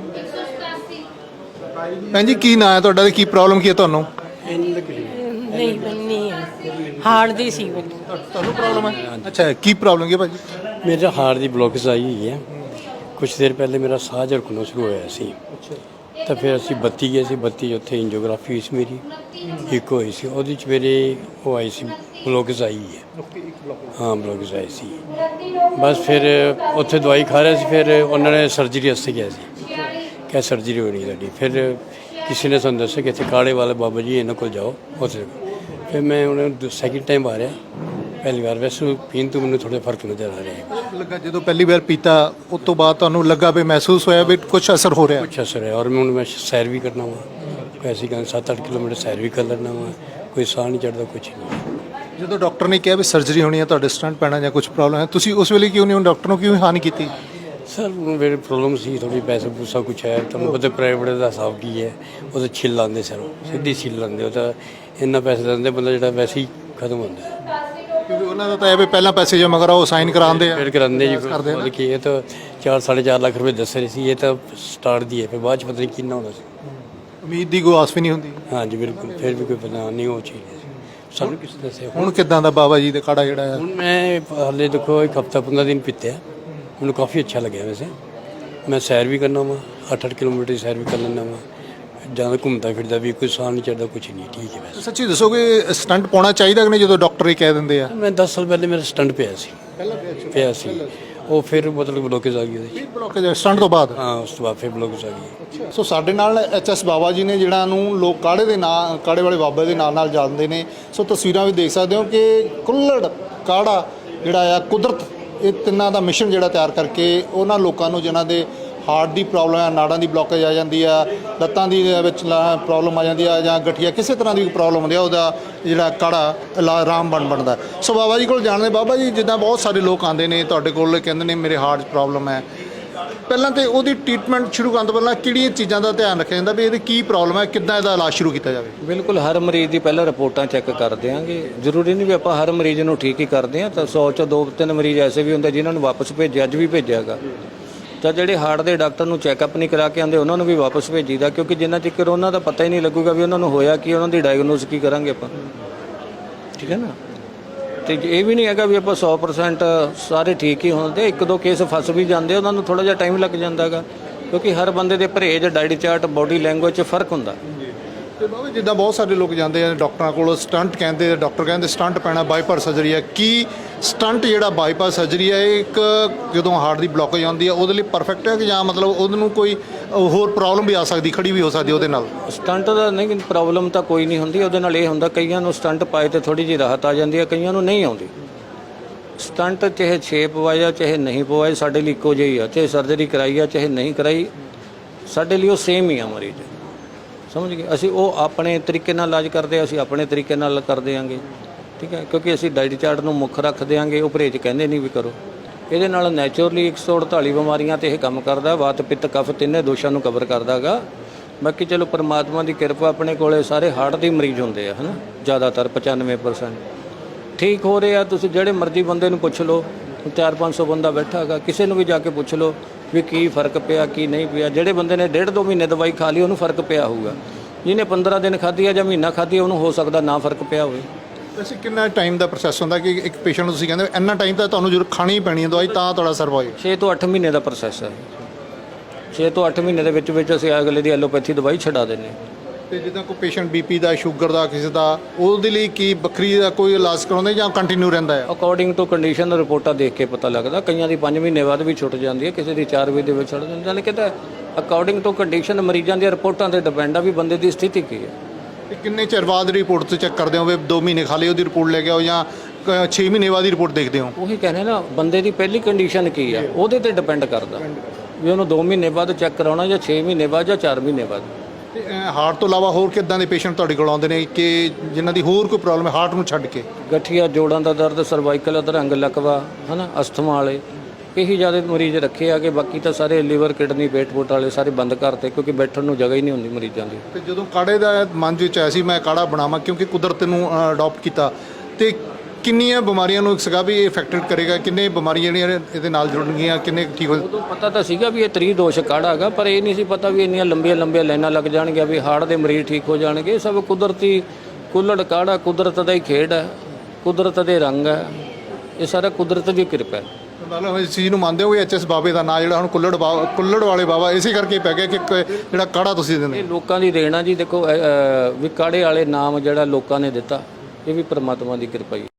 ਭੈਣ ਜੀ ਕੀ ਨਾਂ ਹੈ ਤੁਹਾਡਾ ਤੇ ਕੀ ਪ੍ਰੋਬਲਮ ਕੀ ਹੈ ਤੁਹਾਨੂੰ ਨਹੀਂ ਬੰਨੀ ਹੈ ਹਾਰਟ ਦੀ ਸੀ ਬੰਨੀ ਤੁਹਾਨੂੰ ਪ੍ਰੋਬਲਮ ਹੈ ਅੱਛਾ ਕੀ ਪ੍ਰੋਬਲਮ ਕੀ ਹੈ ਭਾਜੀ ਮੇਰਾ ਹਾਰਟ ਦੀ ਬਲੋਕੇਜ ਆਈ ਹੋਈ ਹੈ ਕੁਝ ਦੇਰ ਪਹਿਲੇ ਮੇਰਾ ਸਾਹ ਝੜਕਣਾ ਸ਼ੁਰੂ ਹੋਇਆ ਸੀ ਤਾਂ ਫਿਰ ਅਸੀਂ ਬੱਤੀ ਗਏ ਸੀ ਬੱਤੀ ਉੱਥੇ ਇੰਜੀਓਗ੍ਰਾਫੀ ਹੋਈ ਸੀ ਮੇਰੀ ਇੱਕ ਹੋਈ ਸੀ ਉਹਦੇ 'ਚ ਮੇਰੇ ਉਹ ਆਈ ਸੀ ਬਲੋਕੇਜ ਆਈ ਹੈ ਹਾਂ ਬਲੋਕੇਜ ਆਈ ਸੀ ਬਸ ਫਿਰ ਉੱਥੇ ਦਵਾਈ ਖਾ ਰਿਹਾ ਸੀ ਫਿਰ ਉਹਨਾਂ ਨੇ ਸਰਜਰੀ ਵਾਸਤੇ ਕਿਹਾ ਸੀ ਕਿ ਸਰਜਰੀ ਹੋਣੀ ਤੁਹਾਡੀ ਫਿਰ ਕਿਸੇ ਨੇ ਸਾਨੂੰ ਦੱਸਿਆ ਕਿ ਇੱਥੇ ਕਾਲੇ ਵਾਲੇ ਬਾਬਾ ਜੀ ਇਹਨਾਂ ਕੋਲ ਜਾਓ ਉੱਥੇ ਫਿਰ ਮੈਂ ਉਹਨਾਂ ਸੈਕਿੰਡ ਟਾਈਮ ਆ ਰਿਹਾ ਪਹਿਲੀ ਵਾਰ ਵੈਸੇ ਪੀਣ ਤੋਂ ਮੈਨੂੰ ਥੋੜ੍ਹਾ ਫਰਕ ਨਜ਼ਰ ਆ ਰਿਹਾ ਹੈ ਲੱਗਾ ਜਦੋਂ ਪਹਿਲੀ ਵਾਰ ਪੀਤਾ ਉਸ ਤੋਂ ਬਾਅਦ ਤੁਹਾਨੂੰ ਲੱਗਾ ਵੀ ਮਹਿਸੂਸ ਹੋਇਆ ਵੀ ਕੁਝ ਅਸਰ ਹੋ ਰਿਹਾ ਕੁਛ ਅਸਰ ਹੈ ਔਰ ਮੈਂ ਹੁਣ ਮੈਂ ਸੈਰ ਵੀ ਕਰਨਾ ਵਾ ਕੋਈ ਐਸੀ ਗੱਲ ਸੱਤ ਅੱਠ ਕਿਲੋਮੀਟਰ ਸੈਰ ਵੀ ਕਰ ਲੈਣਾ ਵਾ ਕੋਈ ਸਾਹ ਨਹੀਂ ਚੜਦਾ ਕੁਛ ਨਹੀਂ ਜਦੋਂ ਡਾਕਟਰ ਨੇ ਕਿਹਾ ਵੀ ਸਰਜਰੀ ਹੋਣੀ ਹੈ ਤੁਹਾਡੇ ਸਟੰਟ ਪੈਣਾ ਜਾਂ ਕੁਝ ਪ੍ਰੋਬਲਮ ਹੈ ਤੁਸੀਂ ਉਸ ਵੇਲੇ ਕਿਉਂ ਨਹੀਂ ਡਾਕਟਰ ਨੂੰ ਕਿਉਂ ਹਾਨੀ ਕੀਤੀ ਸਰ ਮੇਰੇ ਪ੍ਰੋਬਲਮ ਸੀ ਥੋੜੀ ਪੈਸੇ ਪੂਸਾ ਕੁਛ ਹੈ ਤੁਹਾਨੂੰ ਪਤਾ ਪ੍ਰਾਈਵੇਟ ਦਾ ਹਿਸਾਬ ਕੀ ਹੈ ਉਹ ਤਾਂ ਛਿੱਲ ਲਾਉਂਦੇ ਸਰ ਸਿੱਧੀ ਛਿੱਲ ਲਾਉਂਦੇ ਉਹ ਤਾਂ ਇੰਨਾ ਪੈਸੇ ਦਿੰਦੇ ਬੰਦਾ ਜਿਹੜਾ ਵੈਸੇ ਹੀ ਖਤਮ ਹੁੰਦਾ ਕਿਉਂਕਿ ਉਹਨਾਂ ਦਾ ਤਾਂ ਇਹ ਵੀ ਪਹਿਲਾਂ ਪੈਸੇ ਜਮ੍ਹਾਂ ਕਰਾਓ ਸਾਈਨ ਕਰਾਉਂਦੇ ਆ ਫਿਰ ਕਰਾਉਂਦੇ ਜੀ ਮਤਲਬ ਕਿ ਇਹ ਤਾਂ ਚਾਰ ਸਾਢੇ ਚਾਰ ਲੱਖ ਰੁਪਏ ਦੱਸ ਰਹੇ ਸੀ ਇਹ ਤਾਂ ਸਟਾਰਟ ਦੀ ਹੈ ਫਿਰ ਬਾਅਦ ਚ ਪਤਾ ਨਹੀਂ ਕਿੰਨਾ ਹੋਣਾ ਸੀ ਉਮੀਦ ਦੀ ਕੋਈ ਆਸ ਵੀ ਨਹੀਂ ਹੁੰਦੀ ਹਾਂਜੀ ਬਿਲਕੁਲ ਫਿਰ ਵੀ ਕੋਈ ਪਤਾ ਨਹੀਂ ਉਹ ਚੀਜ਼ ਸਾਨੂੰ ਕਿਸੇ ਦੱਸਿਆ ਹੁਣ ਕਿੱਦਾਂ ਦਾ ਬਾਬਾ ਜੀ ਦਾ ਕਾੜਾ ਜਿਹੜਾ ਹੈ ਹੁਣ ਮੈਂ ਹਾਲੇ ਦੇਖੋ ਇੱਕ ਹਫਤਾ ਪੰਦਰਾਂ ਦਿਨ ਪੀਤੇ ਮੈਨੂੰ ਕਾਫੀ ਅੱਛਾ ਲੱਗਿਆ ਵੈਸੇ ਮੈਂ ਸੈਰ ਵੀ ਕਰਨਾ ਵਾ ਅੱਠ ਅੱਠ ਕਿਲੋਮੀਟਰ ਦੀ ਸੈਰ ਵੀ ਕਰ ਲੈਂਦਾ ਵਾ ਜ਼ਿਆਦਾ ਘੁੰਮਦਾ ਫਿਰਦਾ ਵੀ ਕੋਈ ਸਾਹ ਨਹੀਂ ਚੜਦਾ, ਕੁਝ ਨਹੀਂ, ਠੀਕ ਹੈ ਵੈਸੇ। ਸੱਚੀ ਦੱਸੋਗੇ ਸਟੰਟ ਪਾਉਣਾ ਚਾਹੀਦਾ ਕਿ ਨਹੀਂ ਜਦੋਂ ਡਾਕਟਰ ਹੀ ਕਹਿ ਦਿੰਦੇ ਆ? ਮੈਂ ਦਸ ਸਾਲ ਪਹਿਲੇ ਮੇਰਾ ਸਟੰਟ ਪਿਆ ਸੀ ਪਿਆ ਸੀ ਉਹ ਫਿਰ ਮਤਲਬ ਬਲੋਕੇਜ ਆ ਗਈ ਉਹਦੇ 'ਚ। ਬਲੌਕੇਜ ਸਟੰਟ ਤੋਂ ਬਾਅਦ? ਹਾਂ, ਉਸ ਤੋਂ ਬਾਅਦ ਫਿਰ ਬਲੋਕੇਜ ਆ ਗਈ। ਸੋ ਸਾਡੇ ਨਾਲ ਐਚ ਐਸ ਬਾਬਾ ਜੀ ਨੇ, ਜਿਹੜਾ ਨੂੰ ਲੋਕ ਕਾੜੇ ਦੇ ਨਾਂ ਕਾੜੇ ਵਾਲੇ ਬਾਬਾ ਦੇ ਨਾਲ ਨਾਲ ਜਾਣਦੇ ਨੇ। ਸੋ ਤਸਵੀਰਾਂ ਵੀ ਦੇਖ ਸਕਦੇ ਹੋ ਕਿ ਕੁੱਲੜ ਕਾੜਾ ਜਿਹੜਾ ਆ ਕੁਦਰਤ, ਇਹ ਤਿੰਨਾਂ ਦਾ ਮਿਸ਼ਨ ਜਿਹੜਾ ਤਿਆਰ ਕਰਕੇ ਉਹਨਾਂ ਲੋਕਾਂ ਨੂੰ ਜਿਨ੍ਹਾਂ ਦੇ ਹਾਰਟ ਦੀ ਪ੍ਰੋਬਲਮ ਹੈ, ਨਾੜਾਂ ਦੀ ਬਲੋਕੇਜ ਆ ਜਾਂਦੀ ਆ, ਲੱਤਾਂ ਦੀ ਵਿੱਚ ਪ੍ਰੋਬਲਮ ਆ ਜਾਂਦੀ ਆ, ਜਾਂ ਗਠੀਆ ਕਿਸੇ ਤਰ੍ਹਾਂ ਦੀ ਪ੍ਰੋਬਲਮ ਹੁੰਦੀ ਆ, ਉਹਦਾ ਜਿਹੜਾ ਕਾੜਾ ਇਲਾਜ ਰਾਮਬਾਣ ਬਣਦਾ। ਸੋ ਬਾਬਾ ਜੀ ਕੋਲ ਜਾਣਦੇ। ਬਾਬਾ ਜੀ, ਜਿੱਦਾਂ ਬਹੁਤ ਸਾਰੇ ਲੋਕ ਆਉਂਦੇ ਨੇ ਤੁਹਾਡੇ ਕੋਲ, ਕਹਿੰਦੇ ਨੇ ਮੇਰੇ ਹਾਰਟ 'ਚ ਪ੍ਰੋਬਲਮ ਹੈ, ਪਹਿਲਾਂ ਤਾਂ ਉਹਦੀ ਟ੍ਰੀਟਮੈਂਟ ਸ਼ੁਰੂ ਕਰਨ ਤੋਂ ਪਹਿਲਾਂ ਕਿਹੜੀਆਂ ਚੀਜ਼ਾਂ ਦਾ ਧਿਆਨ ਰੱਖਿਆ ਜਾਂਦਾ ਵੀ ਇਹਦੀ ਕੀ ਪ੍ਰੋਬਲਮ ਹੈ, ਕਿੱਦਾਂ ਇਹਦਾ ਇਲਾਜ ਸ਼ੁਰੂ ਕੀਤਾ ਜਾਵੇ? ਬਿਲਕੁਲ, ਹਰ ਮਰੀਜ਼ ਦੀ ਪਹਿਲਾਂ ਰਿਪੋਰਟਾਂ ਚੈੱਕ ਕਰ ਦਿਆਂਗੇ। ਜ਼ਰੂਰੀ ਨਹੀਂ ਵੀ ਆਪਾਂ ਹਰ ਮਰੀਜ਼ ਨੂੰ ਠੀਕ ਹੀ ਕਰਦੇ ਹਾਂ, ਤਾਂ ਸੌ ਚੋਂ ਦੋ ਤਿੰਨ ਮਰੀਜ਼ ਐਸੇ ਵੀ ਹੁੰਦੇ ਜਿਨ੍ਹਾਂ ਨੂੰ ਵਾਪਸ ਭੇਜਿਆ, ਅੱਜ ਵੀ ਭੇਜਿਆਗਾ। ਤਾਂ ਜਿਹੜੇ ਹਾਰਟ ਦੇ ਡਾਕਟਰ ਨੂੰ ਚੈੱਕਅਪ ਨਹੀਂ ਕਰਾ ਕੇ ਆਉਂਦੇ ਉਹਨਾਂ ਨੂੰ ਵੀ ਵਾਪਸ ਭੇਜੀਦਾ, ਕਿਉਂਕਿ ਜਿੰਨਾ ਚਿਰ ਉਹਨਾਂ ਦਾ ਪਤਾ ਹੀ ਨਹੀਂ ਲੱਗੂਗਾ ਵੀ ਉਹਨਾਂ ਨੂੰ ਹੋਇਆ ਕੀ, ਉਹਨਾਂ ਦੀ ਡਾਇਗਨੋਸ ਕੀ ਕਰਾਂਗੇ ਆਪਾਂ, ਠੀਕ ਹੈ ਨਾ। ਤੇ ਇਹ ਵੀ ਨਹੀਂ ਹੈਗਾ ਵੀ ਆਪਾਂ ਸੌ ਪਰਸੈਂਟ ਸਾਰੇ ਠੀਕ ਹੀ ਹੁੰਦੇ, ਇੱਕ ਦੋ ਕੇਸ ਫਸ ਵੀ ਜਾਂਦੇ, ਉਹਨਾਂ ਨੂੰ ਥੋੜ੍ਹਾ ਜਿਹਾ ਟਾਈਮ ਲੱਗ ਜਾਂਦਾ ਹੈਗਾ, ਕਿਉਂਕਿ ਹਰ ਬੰਦੇ ਦੇ ਪਰਹੇਜ਼, ਡਾਈਟ ਚਾਰਟ, ਬਾਡੀ ਲੈਂਗੁਏਜ 'ਚ ਫਰਕ ਹੁੰਦਾ। ਤੇ ਬਾਬਾ ਜਿੱਦਾਂ ਬਹੁਤ ਸਾਰੇ ਲੋਕ ਜਾਂਦੇ ਆ ਡਾਕਟਰਾਂ ਕੋਲ, ਸਟੰਟ ਕਹਿੰਦੇ, ਡਾਕਟਰ ਕਹਿੰਦੇ ਸਟੰਟ ਪੈਣਾ, ਬਾਈਪਾਸ ਸਰਜਰੀ ਹੈ। ਕੀ ਸਟੰਟ ਜਿਹੜਾ ਬਾਈਪਾਸ ਸਰਜਰੀ ਹੈ ਇਹ ਇੱਕ ਜਦੋਂ ਹਾਰਟ ਦੀ ਬਲੋਕੇਜ ਆਉਂਦੀ ਹੈ ਉਹਦੇ ਲਈ ਪਰਫੈਕਟ ਹੈ, ਕਿ ਜਾਂ ਮਤਲਬ ਉਹਨੂੰ ਕੋਈ ਹੋਰ ਪ੍ਰੋਬਲਮ ਵੀ ਆ ਸਕਦੀ, ਖੜੀ ਵੀ ਹੋ ਸਕਦੀ ਉਹਦੇ ਨਾਲ? ਸਟੰਟ ਦਾ ਨਹੀਂ, ਪ੍ਰੋਬਲਮ ਤਾਂ ਕੋਈ ਨਹੀਂ ਹੁੰਦੀ ਉਹਦੇ ਨਾਲ। ਇਹ ਹੁੰਦਾ ਕਈਆਂ ਨੂੰ ਸਟੰਟ ਪਾਏ ਤੇ ਥੋੜੀ ਜਿਹੀ ਰਾਹਤ ਆ ਜਾਂਦੀ ਹੈ, ਕਈਆਂ ਨੂੰ ਨਹੀਂ ਆਉਂਦੀ। ਸਟੰਟ ਚਾਹੇ ਛੇ ਪਵਾਏ ਆ ਚਾਹੇ ਨਹੀਂ ਪਵਾਏ, ਸਾਡੇ ਲਈ ਇੱਕੋ ਜਿਹੀ ਆ। ਚਾਹੇ ਸਰਜਰੀ ਕਰਾਈ ਆ ਚਾਹੇ ਨਹੀਂ ਕਰਾਈ, ਸਾਡੇ ਲਈ ਉਹ ਸੇਮ ਹੀ ਆ ਮਰੀਜ਼, ਸਮਝ ਗਏ। ਅਸੀਂ ਉਹ ਆਪਣੇ ਤਰੀਕੇ ਨਾਲ ਇਲਾਜ ਕਰਦੇ, ਅਸੀਂ ਆਪਣੇ ਤਰੀਕੇ ਨਾਲ ਕਰ ਦਿਆਂਗੇ, ਠੀਕ ਹੈ, ਕਿਉਂਕਿ ਅਸੀਂ ਡਾਈਟ ਚਾਰਟ ਨੂੰ ਮੁੱਖ ਰੱਖ ਦਿਆਂਗੇ। ਉਹ ਪਰਹੇਜ਼ ਕਹਿੰਦੇ ਨਹੀਂ ਵੀ ਕਰੋ। ਇਹਦੇ ਨਾਲ ਨੈਚੁਰਲੀ ਇੱਕ ਸੌ ਅੜਤਾਲੀ ਬਿਮਾਰੀਆਂ ਤੇ ਇਹ ਕੰਮ ਕਰਦਾ, ਵਾਤ ਪਿੱਤ ਕਫ ਤਿੰਨੇ ਦੋਸ਼ਾਂ ਨੂੰ ਕਵਰ ਕਰਦਾ ਹੈਗਾ। ਬਾਕੀ ਚਲੋ ਪਰਮਾਤਮਾ ਦੀ ਕਿਰਪਾ, ਆਪਣੇ ਕੋਲੇ ਸਾਰੇ ਹਾਰਟ ਦੇ ਮਰੀਜ਼ ਹੁੰਦੇ ਆ, ਹੈ ਨਾ, ਜ਼ਿਆਦਾਤਰ ਪਚਾਨਵੇਂ ਪਰਸੈਂਟ ਠੀਕ ਹੋ ਰਹੇ ਆ। ਤੁਸੀਂ ਜਿਹੜੇ ਮਰਜ਼ੀ ਬੰਦੇ ਨੂੰ ਪੁੱਛ ਲਓ, ਚਾਰ ਪੰਜ ਸੌ ਬੰਦਾ ਬੈਠਾ ਹੈਗਾ, ਕਿਸੇ ਨੂੰ ਵੀ ਜਾ ਕੇ ਪੁੱਛ ਲਓ ਵੀ ਕੀ ਫਰਕ ਪਿਆ ਕੀ ਨਹੀਂ ਪਿਆ। ਜਿਹੜੇ ਬੰਦੇ ਨੇ ਡੇਢ ਦੋ ਮਹੀਨੇ ਦਵਾਈ ਖਾ ਲਈ ਉਹਨੂੰ ਫਰਕ ਪਿਆ ਹੋਊਗਾ, ਜਿਹਨੇ ਪੰਦਰਾਂ ਦਿਨ ਖਾਧੀ ਆ ਜਾਂ ਮਹੀਨਾ ਖਾਧੀ ਉਹਨੂੰ ਹੋ ਸਕਦਾ ਨਾ ਫਰਕ ਪਿਆ ਹੋਵੇ। ਵੈਸੇ ਕਿੰਨਾ ਟਾਈਮ ਦਾ ਪ੍ਰੋਸੈਸ ਹੁੰਦਾ ਕਿ ਇੱਕ ਪੇਸ਼ੈਂਟ ਨੂੰ ਤੁਸੀਂ ਕਹਿੰਦੇ ਇੰਨਾ ਟਾਈਮ ਤਾਂ ਤੁਹਾਨੂੰ ਜ਼ਰੂਰ ਖਾਣੀ ਹੀ ਪੈਣੀ ਹੈ ਦਵਾਈ ਤਾਂ ਤੁਹਾਡਾ ਸਰਵ ਹੋਏ? ਛੇ ਤੋਂ ਅੱਠ ਮਹੀਨੇ ਦਾ ਪ੍ਰੋਸੈਸ ਹੈ। ਛੇ ਤੋਂ ਅੱਠ ਮਹੀਨੇ ਦੇ ਵਿੱਚ ਵਿੱਚ ਅਸੀਂ ਅਗਲੇ ਦੀ ਐਲੋਪੈਥੀ ਦਵਾਈ ਛਡਾ ਦਿੰਦੇ ਹਾਂ। ਤੇ ਜਿੱਦਾਂ ਕੋਈ ਪੇਸ਼ੈਂਟ ਬੀਪੀ ਦਾ, ਸ਼ੂਗਰ ਦਾ, ਕਿਸੇ ਦਾ, ਉਹਦੇ ਲਈ ਕੀ ਵੱਖਰੀ ਦਾ ਕੋਈ ਇਲਾਜ ਕਰਾਉਂਦੇ ਜਾਂ ਕੰਟੀਨਿਊ ਰਹਿੰਦਾ ਹੈ? ਅਕੋਰਡਿੰਗ ਟੂ ਕੰਡੀਸ਼ਨ ਰਿਪੋਰਟਾਂ ਦੇਖ ਕੇ ਪਤਾ ਲੱਗਦਾ। ਕਈਆਂ ਦੀ ਪੰਜ ਮਹੀਨੇ ਬਾਅਦ ਵੀ ਛੁੱਟ ਜਾਂਦੀ ਹੈ, ਕਿਸੇ ਦੀ ਚਾਰ ਮਹੀਨੇ ਦੇ ਵਿੱਚ ਛੁੱਟ ਜਾਂਦੀ ਹੈ। ਯਾਨੀ ਕਿ ਤਾਂ ਅਕੋਰਡਿੰਗ ਟੂ ਕੰਡੀਸ਼ਨ ਮਰੀਜ਼ਾਂ ਦੀਆਂ ਰਿਪੋਰਟਾਂ 'ਤੇ ਡਿਪੈਂਡ ਆ ਵੀ ਬੰਦੇ ਦੀ ਸਥਿਤੀ ਕੀ ਹੈ। ਤੇ ਕਿੰਨੇ ਚਿਰ ਬਾਅਦ ਰਿਪੋਰਟ ਤੋਂ ਚੈੱਕ ਕਰਦੇ ਹੋ ਵੀ ਦੋ ਮਹੀਨੇ ਖਾ ਲਈ ਉਹਦੀ ਰਿਪੋਰਟ ਲੈ ਕੇ ਆਓ ਜਾਂ ਛੇ ਮਹੀਨੇ ਬਾਅਦ ਦੀ ਰਿਪੋਰਟ ਦੇਖਦੇ ਹੋ? ਉਹੀ ਕਹਿੰਦੇ ਨਾ, ਬੰਦੇ ਦੀ ਪਹਿਲੀ ਕੰਡੀਸ਼ਨ ਕੀ ਆ ਉਹਦੇ ਤੇ ਡਿਪੈਂਡ ਕਰਦਾ ਵੀ ਉਹਨੂੰ ਦੋ ਮਹੀਨੇ ਬਾਅਦ ਚੈੱਕ ਕਰਾਉਣਾ ਜਾਂ ਛੇ ਮਹੀਨੇ ਬਾਅਦ ਜਾਂ ਚਾਰ ਮਹੀਨੇ ਬਾਅਦ। ਤੇ ਹਾਰਟ ਤੋਂ ਇਲਾਵਾ ਹੋਰ ਕਿੱਦਾਂ ਦੇ ਪੇਸ਼ੈਂਟ ਤੁਹਾਡੇ ਕੋਲ ਆਉਂਦੇ ਨੇ ਕਿ ਜਿਨ੍ਹਾਂ ਦੀ ਹੋਰ ਕੋਈ ਪ੍ਰੋਬਲਮ ਹੈ ਹਾਰਟ ਨੂੰ ਛੱਡ ਕੇ? ਗਠੀਆ, ਜੋੜਾਂ ਦਾ ਦਰਦ, ਸਰਵਾਈਕਲ ਅਧਰੰਗ ਲਕਵਾ, ਹੈ ਨਾ, ਅਸਥਮਾ ਵਾਲੇ, ਇਹੀ ਜ਼ਿਆਦਾ ਮਰੀਜ਼ ਰੱਖੇ ਆ ਕਿ ਬਾਕੀ ਤਾਂ ਸਾਰੇ ਲੀਵਰ, ਕਿਡਨੀ, ਪੇਟ ਪੋਟ ਵਾਲੇ ਸਾਰੇ ਬੰਦ ਕਰਤੇ, ਕਿਉਂਕਿ ਬੈਠਣ ਨੂੰ ਜਗ੍ਹਾ ਹੀ ਨਹੀਂ ਹੁੰਦੀ ਮਰੀਜ਼ਾਂ ਦੀ। ਤੇ ਜਦੋਂ ਕਾੜੇ ਦਾ ਮਨ ਵਿੱਚ ਆਇਆ ਸੀ ਮੈਂ ਕਾੜਾ ਬਣਾਵਾਂ ਕਿਉਂਕਿ ਕੁਦਰਤ ਨੂੰ ਅਡਾਪਟ ਕੀਤਾ, ਤੇ ਕਿੰਨੀਆਂ ਬਿਮਾਰੀਆਂ ਨੂੰ ਸੀਗਾ ਵੀ ਇਹ ਇਫੈਕਟਡ ਕਰੇਗਾ, ਕਿੰਨੇ ਬਿਮਾਰੀਆਂ ਜਿਹੜੀਆਂ ਇਹਦੇ ਨਾਲ ਜੁੜਨਗੀਆਂ, ਕਿੰਨੇ ਠੀਕ ਹੋ? ਉਦੋਂ ਪਤਾ ਤਾਂ ਸੀਗਾ ਵੀ ਇਹ ਤ੍ਰੀ ਦੋਸ਼ ਕਾੜਾ ਹੈਗਾ, ਪਰ ਇਹ ਨਹੀਂ ਸੀ ਪਤਾ ਵੀ ਇੰਨੀਆਂ ਲੰਬੀਆਂ ਲੰਬੀਆਂ ਲਾਈਨਾਂ ਲੱਗ ਜਾਣਗੀਆਂ ਵੀ ਹਾਰਟ ਦੇ ਮਰੀਜ਼ ਠੀਕ ਹੋ ਜਾਣਗੇ। ਇਹ ਸਭ ਕੁਦਰਤੀ ਕੁੱਲੜ ਕਾੜਾ ਕੁਦਰਤ ਦਾ ਹੀ ਖੇਡ ਹੈ, ਕੁਦਰਤ ਦੇ ਰੰਗ ਹੈ, ਇਹ ਸਾਰਾ ਕੁਦਰਤ ਦੀ ਕਿਰਪਾ ਹੈ। ਮਤਲਬ ਇਸ ਚੀਜ਼ ਨੂੰ ਮੰਨਦੇ ਹੋ ਕਿ ਐਚ ਐਸ ਬਾਬੇ ਦਾ ਨਾਂ ਜਿਹੜਾ ਹੁਣ ਕੁੱਲੜ ਬਾਬਾ, ਕੁੱਲੜ ਵਾਲੇ ਬਾਬਾ ਇਸੇ ਕਰਕੇ ਪੈ ਗਿਆ ਕਿ ਜਿਹੜਾ ਕਾੜਾ ਤੁਸੀਂ ਦਿੰਦੇ? ਇਹ ਲੋਕਾਂ ਦੀ ਦੇਣ ਆ ਜੀ। ਦੇਖੋ ਵੀ ਕਾੜੇ ਵਾਲੇ ਨਾਮ ਜਿਹੜਾ ਲੋਕਾਂ ਨੇ ਦਿੱਤਾ, ਇਹ ਵੀ ਪਰਮਾਤਮਾ ਦੀ ਕਿਰਪਾ ਹੀ।